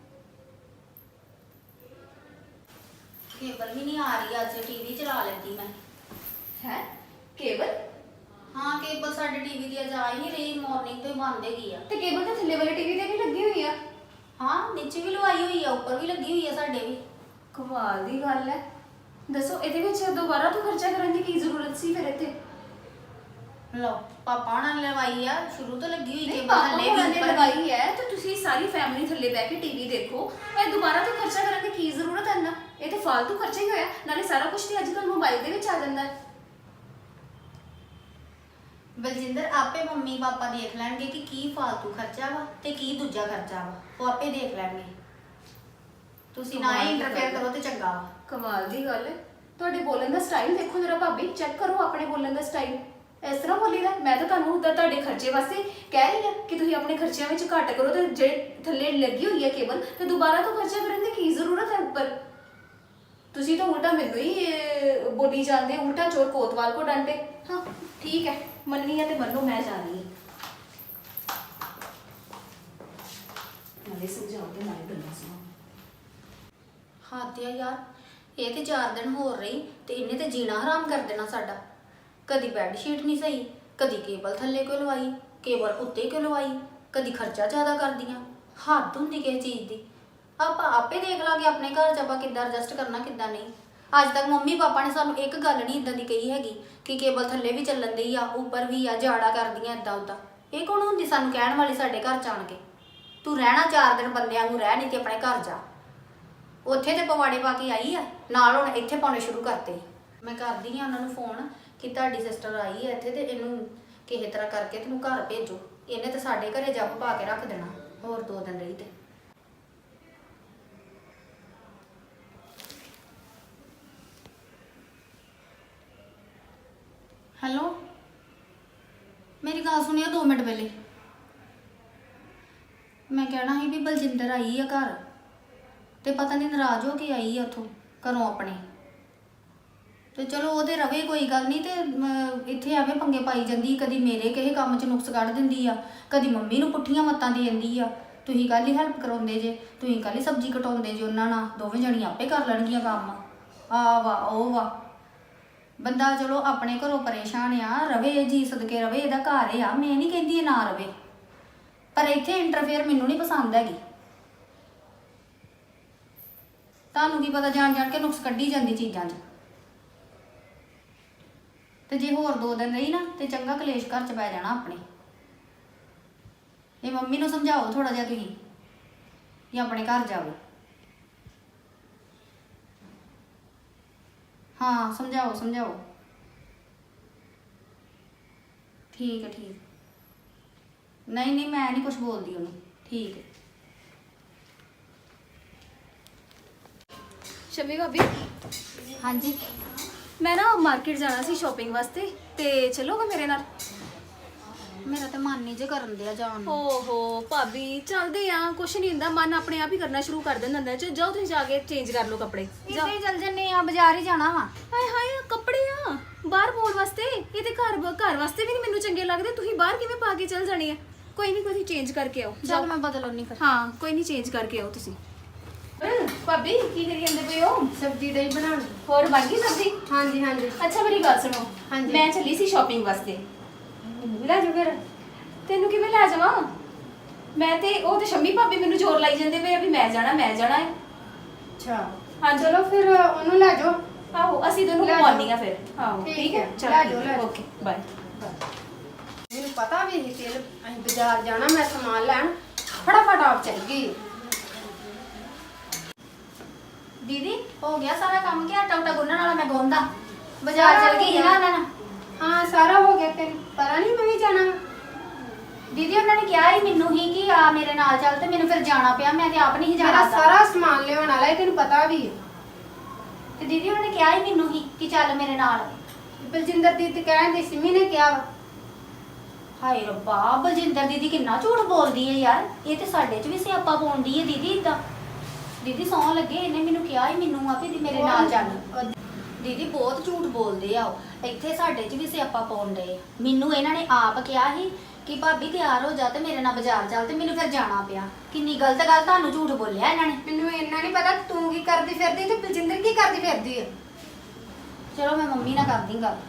[SPEAKER 3] ਕੇਬਲ ਵੀ ਨਹੀਂ ਆ ਰਹੀ, ਅੱਜ ਟੀਵੀ ਚਲਾ ਲੈਂਦੀ ਮੈਂ।
[SPEAKER 4] ਹੈ ਕੇਬਲ?
[SPEAKER 3] ਹਾਂ ਕੇਬਲ ਸਾਡੇ ਟੀਵੀ ਦੀ ਅੱਜ ਆ ਹੀ ਨਹੀਂ ਰਹੀ, ਮਾਰਨਿੰਗ ਤੋਂ ਹੀ ਬੰਦ ਹੈਗੀ ਆ।
[SPEAKER 4] ਤੇ ਕੇਬਲ ਤਾਂ ਥੱਲੇ ਵਾਲੇ ਟੀਵੀ ਤੇ ਵੀ ਲੱਗੀ ਹੋਈ ਆ।
[SPEAKER 3] ਹਾਂ ਨੀਚੇ ਵੀ ਲਵਾਈ ਹੋਈ ਆ, ਉੱਪਰ ਵੀ ਲੱਗੀ ਹੋਈ ਆ ਸਾਡੇ ਵੀ।
[SPEAKER 4] ਕਮਾਲ ਦੀ ਗੱਲ ਹੈ। ਦੱਸੋ ਇਹਦੇ ਵਿੱਚ ਦੁਬਾਰਾ ਤੋਂ ਖਰਚਾ ਕਰਨ ਦੀ ਕੀ ਜ਼ਰੂਰਤ ਸੀ ਫਿਰ ਇੱਥੇ?
[SPEAKER 3] ਲਓ ਪਾਪਾ ਨਾਲ ਲਵਾਈ ਆ, ਸ਼ੁਰੂ ਤੋਂ ਲੱਗੀ ਹੋਈ
[SPEAKER 4] ਨਹੀਂ
[SPEAKER 3] ਕੇਬਲ
[SPEAKER 4] ਪਾਪਾ
[SPEAKER 3] ਥੱਲੇ
[SPEAKER 4] ਹੋਣਾ
[SPEAKER 3] ਵੀ
[SPEAKER 4] ਨੇ
[SPEAKER 3] ਉੱਪਰ ਵੀ।
[SPEAKER 4] ਲਗਾਈ ਹੈ ਤੇ ਤੁਸੀਂ ਸਾਰੀ ਫੈਮਿਲੀ ਥੱਲੇ ਬਹਿ ਕੇ ਟੀਵੀ ਦੇਖੋ। ਇਹ ਦੁਬਾਰਾ ਤੋਂ ਖਰਚਾ ਕਰਨ ਦੀ ਕੀ ਜ਼ਰੂਰਤ ਹੈ ਨਾ? ਇਹ ਤਾਂ ਫालतू ਖਰਚਾ ਹੀ ਹੋਇਆ। ਨਾਲੇ ਸਾਰਾ ਕੁਝ ਤੇ ਅੱਜ ਕੱਲ੍ਹ ਮੋਬਾਈਲ ਦੇ ਵਿੱਚ ਆ ਜਾਂਦਾ ਹੈ।
[SPEAKER 3] ਬਲਜਿੰਦਰ ਆਪੇ ਮੰਮੀ ਪਾਪਾ ਦੇਖ ਲੈਣਗੇ ਕਿ ਕੀ ਫालतू ਖਰਚਾ ਵਾ ਤੇ ਕੀ ਦੂਜਾ ਖਰਚਾ ਵਾ, ਉਹ ਆਪੇ ਦੇਖ ਲੈਣਗੇ। ਤੁਸੀਂ ਨਾ ਹੀ ਇੰਟਰਫੇਅਰ ਕਰੋ ਤੇ ਚੰਗਾ ਵਾ।
[SPEAKER 4] ਕਮਾਲ ਦੀ ਗੱਲ ਹੈ। ਤੁਹਾਡੇ ਬੋਲਣ ਦਾ ਸਟਾਈਲ ਦੇਖੋ ਜਰਾ ਭਾਬੀ, ਚੈੱਕ ਕਰੋ ਆਪਣੇ ਬੋਲਣ ਦਾ ਸਟਾਈਲ। ਇਸ ਤਰ੍ਹਾਂ ਬੋਲੀਦਾ? ਮੈਂ ਤਾਂ ਤੁਹਾਨੂੰ ਉਧਰ ਤੁਹਾਡੇ ਖਰਚੇ ਵਾਸਤੇ ਕਹਿ ਰਹੀ ਹਾਂ ਕਿ ਤੁਸੀਂ ਆਪਣੇ ਖਰਚਿਆਂ ਵਿੱਚ ਘੱਟ ਕਰੋ, ਤੇ ਜਿਹੜੇ ਥੱਲੇ ਲੱਗੀ ਹੋਈ ਹੈ ਕੇਬਲ ਤੇ ਦੁਬਾਰਾ ਤੋਂ ਖਰਚਾ ਕਰਨ ਦੀ ਕੀ ਜ਼ਰੂਰਤ ਹੈ ਉੱਪਰ? ਤੁਸੀਂ ਤਾਂ ਉਲਟਾ ਮੈਨੂੰ ਹੀ ਬੋਲੀ ਜਾਂਦੇ, ਉਲਟਾ ਚੋਰ ਕੋਤਵਾਲ ਕੋ ਡਾਂਟੇ। ਹਾਂ ਠੀਕ ਹੈ, ਮੰਨੀ ਹੈ ਤੇ ਮੰਨੋ, ਮੈਂ ਜਾ ਰਹੀ ਹਾਂ। ਨਾਲੇ ਸਮਝਾਓ ਤੇ ਨਾਲੇ ਗੱਲਾਂ ਸੁਣਾਓ।
[SPEAKER 3] ਹੱਦ ਆ ਯਾਰ, ਇਹ ਤੇ 4 ਦਿਨ ਹੋਰ ਰਹੀ ਤੇ ਇਹਨੇ ਤੇ ਜੀਣਾ ਹਰਾਮ ਕਰ ਦੇਣਾ ਸਾਡਾ। ਕਦੀ ਬੈੱਡ ਸ਼ੀਟ ਨਹੀਂ ਸਹੀ, ਕਦੀ ਕੇਬਲ ਥੱਲੇ ਕਿਉਂ ਲਵਾਈ, ਕੇਬਲ ਉੱਤੇ ਕਿਉਂ ਲਵਾਈ, ਕਦੀ ਖਰਚਾ ਜ਼ਿਆਦਾ ਕਰਦੀਆਂ। ਹੱਦ ਹੁੰਦੀ ਕਿਸੇ ਚੀਜ਼ ਦੀ। ਆਪਾਂ ਆਪੇ ਦੇਖ ਲਾਂਗੇ ਆਪਣੇ ਘਰ 'ਚ ਆਪਾਂ ਕਿੱਦਾਂ ਐਡਜਸਟ ਕਰਨਾ ਕਿੱਦਾਂ ਨਹੀਂ। ਅੱਜ ਤੱਕ ਮੰਮੀ ਪਾਪਾ ਨੇ ਸਾਨੂੰ ਇੱਕ ਗੱਲ ਨਹੀਂ ਇਦਾਂ ਦੀ ਕਹੀ ਹੈਗੀ ਕਿ ਕੇਬਲ ਥੱਲੇ ਵੀ ਚੱਲਣ ਦੀ ਆ, ਉੱਪਰ ਵੀ ਆ, ਜਾੜਾ ਕਰਦੀਆਂ ਇਦਾਂ ਉਦਾਂ। ਇਹ ਕੌਣ ਹੁੰਦੀ ਸਾਨੂੰ ਕਹਿਣ ਵਾਲੀ ਸਾਡੇ ਘਰ ਚ ਆਣ ਕੇ? ਤੂੰ ਰਹਿਣਾ 4 ਦਿਨ ਬੰਦਿਆਂ ਨੂੰ ਰਹਿ, ਨਹੀਂ ਤੇ ਆਪਣੇ ਘਰ ਜਾ। ਉੱਥੇ ਤੇ ਪਵਾੜੇ ਪਾ ਕੇ ਆਈ ਆ, ਨਾਲ ਹੁਣ ਇੱਥੇ ਪਾਉਣੇ ਸ਼ੁਰੂ ਕਰਤੇ। ਮੈਂ ਕਰਦੀ ਆ ਉਹਨਾਂ ਨੂੰ ਫੋਨ ਕਿ ਤੁਹਾਡੀ ਸਿਸਟਰ ਆਈ ਹੈ ਇੱਥੇ ਤੇ ਇਹਨੂੰ ਕਿਸੇ ਤਰ੍ਹਾਂ ਕਰਕੇ ਤੈਨੂੰ ਘਰ ਭੇਜੋ। ਇਹਨੇ ਤਾਂ ਸਾਡੇ ਘਰੇ ਜੱਬ ਪਾ ਕੇ ਰੱਖ ਦੇਣਾ ਹੋਰ 2 ਦਿਨ ਰਹੀ ਤੇ। ਹੈਲੋ, ਮੇਰੀ ਗੱਲ ਸੁਣਿਓ 2 ਮਿੰਟ ਪਹਿਲੇ। ਮੈਂ ਕਹਿਣਾ ਸੀ ਵੀ ਬਲਜਿੰਦਰ ਆਈ ਆ ਘਰ ਤੇ ਪਤਾ ਨਹੀਂ ਨਾਰਾਜ਼ ਹੋ ਕੇ ਆਈ ਆ ਉੱਥੋਂ ਘਰੋਂ ਆਪਣੇ। ਤੇ ਚਲੋ ਉਹਦੇ ਰਵੇ, ਕੋਈ ਗੱਲ ਨਹੀਂ। ਤੇ ਇੱਥੇ ਐਵੇਂ ਪੰਗੇ ਪਾਈ ਜਾਂਦੀ, ਕਦੀ ਮੇਰੇ ਕਿਸੇ ਕੰਮ 'ਚ ਨੁਕਸ ਕੱਢ ਦਿੰਦੀ ਆ, ਕਦੀ ਮੰਮੀ ਨੂੰ ਪੁੱਠੀਆਂ ਮੱਤਾਂ ਦੇ ਦਿੰਦੀ ਆ। ਤੁਸੀਂ ਕੱਲ ਹੀ ਹੈਲਪ ਕਰਾਉਂਦੇ ਜੇ, ਤੁਸੀਂ ਕੱਲ ਹੀ ਸਬਜ਼ੀ ਕਟਾਉਂਦੇ ਜੇ ਉਹਨਾਂ ਨਾਲ, ਦੋਵੇਂ ਜਣੀਆਂ ਆਪੇ ਕਰ ਲੈਣਗੀਆਂ ਕੰਮ। ਆ ਵਾ ਉਹ ਵਾ। ਬੰਦਾ ਚਲੋ ਆਪਣੇ ਘਰੋਂ ਪਰੇਸ਼ਾਨ ਆ, ਰਵੇ ਜੀ ਸਦਕੇ ਰਵੇ, ਇਹਦਾ ਘਰ ਆ। ਮੈਂ ਨਹੀਂ ਕਹਿੰਦੀ ਇਹ ਨਾ ਰਵੇ, ਪਰ ਇੱਥੇ ਇੰਟਰਫੇਅਰ ਮੈਨੂੰ ਨਹੀਂ ਪਸੰਦ ਹੈਗੀ। ਤੁਹਾਨੂੰ ਕੀ ਪਤਾ, ਜਾਣ ਜਾਣ ਕੇ ਨੁਕਸ ਕੱਢੀ ਜਾਂਦੀ ਚੀਜ਼ਾਂ 'ਚ। ਤੇ ਜੇ ਹੋਰ 2 ਦਿਨ ਰਹੀ ਨਾ ਤੇ ਚੰਗਾ ਕਲੇਸ਼ ਘਰ 'ਚ ਪੈ ਜਾਣਾ ਆਪਣੇ। ਇਹ ਮੰਮੀ ਨੂੰ ਸਮਝਾਓ ਥੋੜਾ ਜਿਹਾ ਤੁਸੀਂ, ਜਾਂ ਆਪਣੇ ਘਰ ਜਾਓ। ਹਾਂ ਸਮਝਾਓ ਸਮਝਾਓ। ਠੀਕ ਹੈ ਠੀਕ। ਨਹੀਂ ਨਹੀਂ ਮੈਂ ਨਹੀਂ ਕੁਝ ਬੋਲਦੀ ਉਹਨੂੰ। ਠੀਕ ਹੈ।
[SPEAKER 4] ਸ਼ਮੀ ਭਾਬੀ,
[SPEAKER 3] ਹਾਂਜੀ
[SPEAKER 4] ਮੈਂ ਨਾ ਮਾਰਕੀਟ ਜਾਣਾ ਸੀ ਸ਼ਾਪਿੰਗ ਵਾਸਤੇ, ਤੇ ਚਲੋਗੇ ਮੇਰੇ ਨਾਲ?
[SPEAKER 3] ਮੇਰਾ ਤਾਂ ਮਨ ਨਹੀਂ ਜੇ ਕਰਨ ਦਿਆ ਜਾਣ ਨੂੰ।
[SPEAKER 4] ਓਹੋ ਭਾਬੀ, ਚੱਲਦੇ ਆ, ਕੁਛ ਨਹੀਂ ਹੁੰਦਾ, ਮਨ ਆਪਣੇ ਆਪ ਹੀ ਕਰਨਾ ਸ਼ੁਰੂ ਕਰ ਦਿੰਦਾ ਹੁੰਦਾ। ਜਾਓ ਤੁਸੀਂ ਜਾ ਕੇ ਚੇਂਜ ਕਰ ਲਓ ਕੱਪੜੇ।
[SPEAKER 3] ਇੱਥੇ ਹੀ ਚੱਲ ਜੰਨੇ ਆ, ਬਾਜ਼ਾਰ ਹੀ ਜਾਣਾ ਵਾ।
[SPEAKER 4] ਹਾਏ ਹਾਏ, ਕੱਪੜੇ ਆ ਬਾਹਰ ਪਾਉਣ ਵਾਸਤੇ? ਇਹ ਤੇ ਘਰ ਵਾਸਤੇ ਵੀ ਨਹੀਂ ਮੈਨੂੰ ਚੰਗੇ ਲੱਗਦੇ। ਤੁਸੀਂ ਬਾਹਰ ਕਿਵੇਂ ਪਾ ਕੇ ਚੱਲ ਜਾਣੇ ਆ? ਕੋਈ ਨਹੀਂ, ਕੋਈ ਚੇਂਜ ਕਰਕੇ ਆਓ।
[SPEAKER 3] ਚੱਲ ਮੈਂ ਬਦਲ ਆਉਣੀ ਫਿਰ।
[SPEAKER 4] ਹਾਂ ਕੋਈ ਨਹੀਂ, ਚੇਂਜ ਕਰਕੇ ਆਓ ਤੁਸੀਂ। ਭਾਬੀ ਕੀ ਕਰੀ ਜਾਂਦੇ ਪਏ ਹੋ?
[SPEAKER 2] ਸਬਜ਼ੀ ਡਈ ਬਣਾਉਣ।
[SPEAKER 4] ਹੋਰ ਬਣ ਗਈ ਸਬਜ਼ੀ?
[SPEAKER 2] ਹਾਂਜੀ ਹਾਂਜੀ।
[SPEAKER 4] ਅੱਛਾ ਮੇਰੀ ਗੱਲ ਸੁਣੋ,
[SPEAKER 2] ਹਾਂਜੀ।
[SPEAKER 4] ਮੈਂ ਚੱਲੀ ਸੀ ਸ਼ਾਪਿੰਗ ਵਾਸਤੇ।
[SPEAKER 2] ਲੈ ਜਾਓ ਫਿਰ।
[SPEAKER 4] ਤੈਨੂੰ ਕਿਵੇਂ ਲੈ ਜਾਵਾਂ? ਮੈਂ ਤੇ ਉਹ ਤੇ ਸ਼ੰਮੀ ਭਾਬੀ ਮੈਨੂੰ ਜ਼ੋਰ ਲਾਈ ਜਾਂਦੇ ਪਏ ਆ ਵੀ ਮੈਂ ਜਾਣਾ ਹੈ।
[SPEAKER 2] ਅੱਛਾ
[SPEAKER 4] ਹਾਂ
[SPEAKER 2] ਚਲੋ ਫਿਰ ਉਹਨੂੰ ਲੈ ਜਾਓ।
[SPEAKER 4] ਆਹੋ ਅਸੀਂ ਦੋਨੋਂ
[SPEAKER 2] ਲੈ
[SPEAKER 4] ਘੁਮਾਉਣੀ ਆ ਫਿਰ। ਆਹੋ
[SPEAKER 2] ਠੀਕ
[SPEAKER 4] ਠੀਕ ਹੈ,
[SPEAKER 2] ਹੈ,
[SPEAKER 4] ਚਲ
[SPEAKER 2] ਲੈ ਜਾਓ, ਲੈ ਜਾਓ।
[SPEAKER 4] Okay bye.
[SPEAKER 2] ਮੈਨੂੰ ਪਤਾ ਵੀ ਸੀ ਤੇਲ ਅਸੀਂ ਬਾਜ਼ਾਰ ਜਾਣਾ, ਮੈਂ ਸਮਾਨ ਲੈਣ ਫਟਾਫਟ ਆਪ ਚੱਲ ਗਈ।
[SPEAKER 3] ਦੀਦੀ ਹੋ ਗਿਆ ਸਾਰਾ ਕੰਮ ਕਿ ਆਟਾ ਉਟਾ ਗੁੰਨਣ ਵਾਲਾ ਮੈਂ ਗੁੰਨਦਾ? ਬਾਜ਼ਾਰ ਚਲ ਗਈ ਸੀ ਨਾ ਉਹਨਾਂ ਨਾਲ।
[SPEAKER 2] ਹਾਂ ਸਾਰਾ ਹੋ ਗਿਆ। ਤੈਨੂੰ ਪਤਾ ਨਹੀਂ ਮੈਂ ਵੀ ਜਾਣਾ ਵਾ।
[SPEAKER 3] ਦੀਦੀ ਉਹਨਾਂ ਨੇ ਕਿਹਾ ਹੀ ਮੈਨੂੰ ਹੀ ਕਿ ਆ ਮੇਰੇ ਨਾਲ ਚੱਲ, ਤੇ ਮੈਨੂੰ ਫਿਰ ਜਾਣਾ ਪਿਆ। ਮੈਂ ਤੇ ਆਪ ਨਹੀਂ
[SPEAKER 2] ਮੇਰਾ
[SPEAKER 3] ਜਾਣਾ
[SPEAKER 2] ਸਾਰਾ ਸਮਾਨ ਲਿਆਉਣ ਵਾਲਾ ਹੈ, ਤੈਨੂੰ ਪਤਾ ਵੀ ਹੈ।
[SPEAKER 3] ਤੇ ਦੀਦੀ ਉਹਨਾਂ ਨੇ ਕਿਹਾ ਹੀ ਮੈਨੂੰ ਹੀ ਕਿ ਚੱਲ ਮੇਰੇ ਨਾਲ।
[SPEAKER 2] ਬਲਜਿੰਦਰ ਦੀ ਤੇ ਕਹਿੰਦੀ ਸਿੰਮੀ ਨੇ ਕਿਹਾ ਵਾ।
[SPEAKER 3] ਹਾਏ ਰੱਬਾ, ਬਲਜਿੰਦਰ ਦੀਦੀ ਕਿੰਨਾ ਝੂਠ ਬੋਲਦੀ ਹੈ ਯਾਰ। ਇਹ ਤੇ ਸਾਡੇ 'ਚ ਵੀ ਸਿਆਪਾ ਪਾਉਂਦੀ ਹੈ ਦੀਦੀ ਇਦਾਂ। ਦੀਦੀ ਸੌਂ ਲੱਗੇ, ਇਹਨੇ ਮੈਨੂੰ ਕਿਹਾ ਹੀ ਮੈਨੂੰ ਆ ਵੀ ਮੇਰੇ ਨਾਲ ਚੱਲ। ਦੀਦੀ ਬਹੁਤ ਝੂਠ ਬੋਲਦੇ ਆ ਉਹ। ਇੱਥੇ ਸਾਡੇ 'ਚ ਵੀ ਸਿਆਪਾ ਪਾਉਣ ਡਏ ਆ। ਮੈਨੂੰ ਇਹਨਾਂ ਨੇ ਆਪ ਕਿਹਾ ਸੀ ਕਿ ਭਾਬੀ ਤਿਆਰ ਹੋ ਜਾ ਤੇ ਮੇਰੇ ਨਾਲ ਬਾਜ਼ਾਰ ਚੱਲ, ਤੇ ਮੈਨੂੰ ਫਿਰ ਜਾਣਾ ਪਿਆ। ਕਿੰਨੀ ਗਲਤ ਗੱਲ ਤੁਹਾਨੂੰ ਝੂਠ ਬੋਲਿਆ ਇਹਨਾਂ ਨੇ।
[SPEAKER 2] ਮੈਨੂੰ ਇੰਨਾ ਨਹੀਂ ਪਤਾ ਤੂੰ ਕੀ ਕਰਦੀ ਫਿਰਦੀ ਤੇ ਬਲਜਿੰਦਰ ਕੀ ਕਰਦੀ ਫਿਰਦੀ ਹੈ।
[SPEAKER 3] ਚਲੋ ਮੈਂ ਮੰਮੀ ਨਾਲ ਕਰਦੀ ਗੱਲ।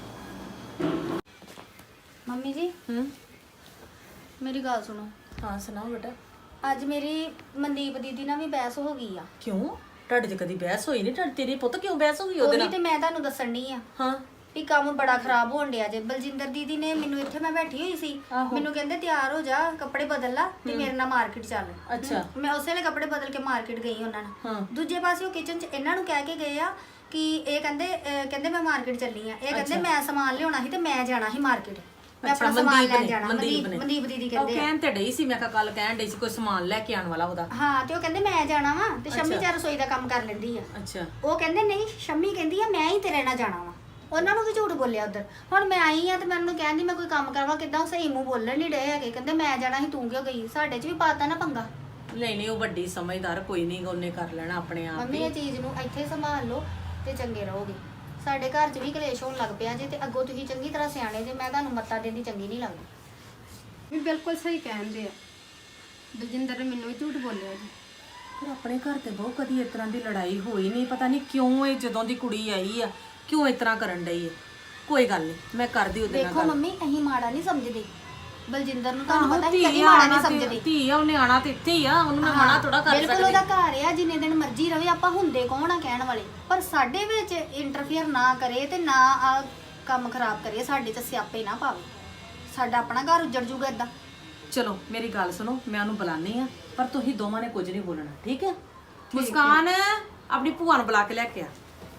[SPEAKER 3] ਮੰਮੀ ਜੀ ਮੇਰੀ ਗੱਲ ਸੁਣੋ।
[SPEAKER 1] ਹਾਂ ਸੁਣਾਓ ਬੇਟਾ।
[SPEAKER 3] ਅੱਜ ਮੇਰੀ ਮਨਦੀਪ ਦੀਦੀ ਨਾਲ ਵੀ ਬਹਿਸ ਹੋ ਗਈ ਆ।
[SPEAKER 1] ਕਿਉਂ? ਤੁਹਾਡੇ 'ਚ ਕਦੀ ਬਹਿਸ ਹੋਈ ਨਹੀਂ? ਤੇਰੀ ਪੁੱਤ ਕਿਉਂ ਬਹਿਸ ਹੋ ਗਈ ਉਹਦੇ
[SPEAKER 3] ਉਹੀ
[SPEAKER 1] ਨਾਲ?
[SPEAKER 3] ਤੇ ਮੈਂ ਤੁਹਾਨੂੰ ਦੱਸਣ ਡਈ ਆ
[SPEAKER 1] ਹਾਂ
[SPEAKER 3] ਵੀ ਕੰਮ ਬੜਾ ਖਰਾਬ ਹੋਣ ਡਿਆ ਜੇ। ਬਲਜਿੰਦਰ ਦੀਦੀ ਨੇ ਮੈਨੂੰ, ਇੱਥੇ ਮੈਂ ਬੈਠੀ ਹੋਈ ਸੀ,
[SPEAKER 1] ਆਹੋ।
[SPEAKER 3] ਮੈਨੂੰ ਕਹਿੰਦੇ ਤਿਆਰ ਹੋ ਜਾ, ਕੱਪੜੇ ਬਦਲ ਲਾ ਤੇ ਮੇਰੇ ਨਾਲ ਮਾਰਕੀਟ ਚੱਲ।
[SPEAKER 1] ਅੱਛਾ।
[SPEAKER 3] ਮੈਂ ਉਸੇ ਵੇਲੇ ਕੱਪੜੇ ਬਦਲ ਕੇ ਮਾਰਕੀਟ ਗਈ ਉਹਨਾਂ ਨਾਲ।
[SPEAKER 1] ਹਾਂ।
[SPEAKER 3] ਦੂਜੇ ਪਾਸੇ ਉਹ ਕਿਚਨ 'ਚ ਇਹਨਾਂ ਨੂੰ ਕਹਿ ਕੇ ਗਏ ਆ ਕਿ ਇਹ ਕਹਿੰਦੇ ਮੈਂ ਮਾਰਕੀਟ ਚੱਲੀ ਆ। ਇਹ ਕਹਿੰਦੇ
[SPEAKER 1] ਅੱਛਾ।
[SPEAKER 3] ਮੈਂ ਸਮਾਨ ਲਿਆਉਣਾ ਸੀ ਤੇ ਮੈਂ ਜਾਣਾ ਸੀ ਮਾਰਕੀਟ। ਮੈਂ
[SPEAKER 1] ਅੱਛਾ,
[SPEAKER 3] ਆਪਣਾ ਸਮਾਨ
[SPEAKER 1] ਮਨਦੀਪ
[SPEAKER 3] ਲੈਣ
[SPEAKER 1] ਨੇ-
[SPEAKER 3] ਜਾਣਾ।
[SPEAKER 1] ਮਨਦੀਪ ਨੇ।
[SPEAKER 3] ਮਨਦੀਪ ਦੀਦੀ
[SPEAKER 1] ਉਹ
[SPEAKER 3] ਕਹਿੰਦੇ ਆ।
[SPEAKER 1] ਕਹਿਣ ਤੇ ਡਈ ਸੀ, ਮੈਂ ਕਿਹਾ ਕੱਲ ਕਹਿਣ ਡਈ ਸੀ ਕੋਈ ਸਮਾਨ ਲੈ ਕੇ ਆਉਣ ਵਾਲਾ ਉਹਦਾ।
[SPEAKER 3] ਹਾਂ ਤੇ ਉਹ ਕਹਿੰਦੇ ਮੈਂ ਜਾਣਾ ਵਾ ਤੇ ਸ਼ੰਮੀ
[SPEAKER 1] ਅੱਛਾ।
[SPEAKER 3] ਚਾਰ ਰਸੋਈ ਦਾ ਕੰਮ ਕਰ ਲੈਂਦੀ ਆ।
[SPEAKER 1] ਅੱਛਾ।
[SPEAKER 3] ਉਹ ਕਹਿੰਦੇ ਨਹੀਂ, ਸ਼ੰਮੀ ਕਹਿੰਦੀ ਆ ਮੈਂ ਹੀ ਤੇਰੇ ਨਾਲ ਜਾਣਾ ਵਾ। ਉਹਨਾਂ ਨੂੰ ਵੀ ਝੂਠ ਬੋਲਿਆ ਉਧਰ। ਹੁਣ ਮੈਂ ਆਈ ਆ ਤੇ ਮੈਂ ਉਹਨੂੰ ਕਹਿੰਦੀ ਮੈਂ ਕੋਈ ਕੰਮ ਕਰਵਾ, ਕਿੱਦਾਂ ਉਹ ਸਹੀ ਮੂੰਹ ਬੋਲਣ ਨਹੀਂ ਡਏ ਹੈਗੇ। ਕਹਿੰਦੇ ਮੈਂ ਜਾਣਾ ਸੀ, ਤੂੰ ਕਿਉਂ ਗਈ? ਸਾਡੇ 'ਚ ਵੀ ਪਾਤਾ ਨਾ ਪੰਗਾ।
[SPEAKER 1] ਨਹੀਂ ਉਹ ਵੱਡੀ ਸਮਝਦਾਰ, ਕੋਈ ਨਹੀਂ, ਉਹਨੇ ਕਰ ਲੈਣਾ ਆਪਣੇ ਆਪ
[SPEAKER 3] ਮੰਮੀ
[SPEAKER 1] ਹੀ।
[SPEAKER 3] ਇਹ ਚੀਜ਼ ਨੂੰ ਇੱਥੇ ਸੰਭਾਲ ਲਓ ਤੇ ਚੰਗੇ ਰਹੋਗੇ। ਸਾਡੇ ਘਰ 'ਚ ਵੀ ਕਲੇਸ਼ ਹੋਣ ਲੱਗ ਪਿਆ ਜੇ ਤੇ ਅੱਗੋਂ ਤੁਸੀਂ ਚੰਗੀ ਤਰ੍ਹਾਂ ਸਿਆਣੇ ਜੇ। ਮੈਂ ਤੁਹਾਨੂੰ ਮੱਤਾ ਦੇਣੀ ਚੰਗੀ ਨਹੀਂ ਲੱਗਦੀ।
[SPEAKER 2] ਵੀ ਬਿਲਕੁਲ ਸਹੀ ਕਹਿੰਦੇ ਆ। ਬਲਜਿੰਦਰ ਨੇ ਮੈਨੂੰ ਵੀ ਝੂਠ ਬੋਲਿਆ ਜੀ।
[SPEAKER 1] ਪਰ ਆਪਣੇ ਘਰ ਤੇ ਬਹੁਤ ਕਦੀ ਇਸ ਤਰ੍ਹਾਂ ਦੀ ਲੜਾਈ ਹੋਈ ਨਹੀਂ। ਪਤਾ ਨਹੀਂ ਕਿਉਂ ਇਹ ਜਦੋਂ ਦੀ ਕੁੜੀ ਆਈ ਆ ਕਿਉਂ ਇਸ ਤਰ੍ਹਾਂ ਕਰਨ ਡਈ ਹੈ। ਕੋਈ ਗੱਲ ਨਹੀਂ, ਮੈਂ ਕਰਦੀ ਉਹਦੇ ਨਾਲ
[SPEAKER 3] ਦੇਖੋ
[SPEAKER 1] ਗੱਲ।
[SPEAKER 3] ਮੰਮੀ ਅਸੀਂ ਮਾੜਾ ਨਹੀਂ ਸਮਝਦੇ, ਬਲਜਿੰਦਰ ਨੂੰ ਤੁਹਾਨੂੰ ਪਤਾ
[SPEAKER 1] ਧੀ
[SPEAKER 3] ਹੀ ਕਦੀ
[SPEAKER 1] ਆ,
[SPEAKER 3] ਮਾੜਾ
[SPEAKER 1] ਆਉਣਾ
[SPEAKER 3] ਨਹੀਂ
[SPEAKER 1] ਤੇ
[SPEAKER 3] ਸਮਝਦੀ।
[SPEAKER 1] ਧੀ ਆ, ਉਹਨੇ ਆਣਾ ਤੇ ਇੱਥੇ ਹੀ ਆ, ਉਹਨੂੰ ਮੈਂ ਮਨਾ ਥੋੜਾ ਕਰ
[SPEAKER 3] ਬਿਲਕੁਲ
[SPEAKER 1] ਸਕਦੀ।
[SPEAKER 3] ਉਹਦਾ ਘਰ ਆ, ਜਿੰਨੇ ਦਿਨ ਮਰਜ਼ੀ ਰਵੇ, ਆਪਾਂ ਹੁੰਦੇ ਕੌਣ ਆ ਕਹਿਣ ਵਾਲੇ, ਪਰ ਸਾਡੇ ਵਿੱਚ ਇੰਟਰਫੇਅਰ ਨਾ ਕਰੇ ਤੇ ਨਾ ਆ ਕੰਮ ਖਰਾਬ ਕਰੇ, ਸਾਡੇ ਚ ਸਿਆਪੇ ਨਾ ਪਾਵੇ, ਸਾਡਾ ਆਪਣਾ ਘਰ ਉੱਜੜ ਜੂਗਾ ਇਦਾਂ।
[SPEAKER 1] ਚਲੋ ਮੇਰੀ ਗੱਲ ਸੁਣੋ, ਮੈਂ ਉਹਨੂੰ ਬੁਲਾਨੀ ਆ, ਪਰ ਤੁਸੀਂ ਦੋਵਾਂ ਨੇ ਕੁਝ ਨਹੀਂ ਬੋਲਣਾ, ਠੀਕ ਹੈ? ਮੁਸਕਾਨ ਆਪਣੀ ਭੂਆ ਨੂੰ ਬੁਲਾ ਕੇ ਲੈ ਕੇ ਆ।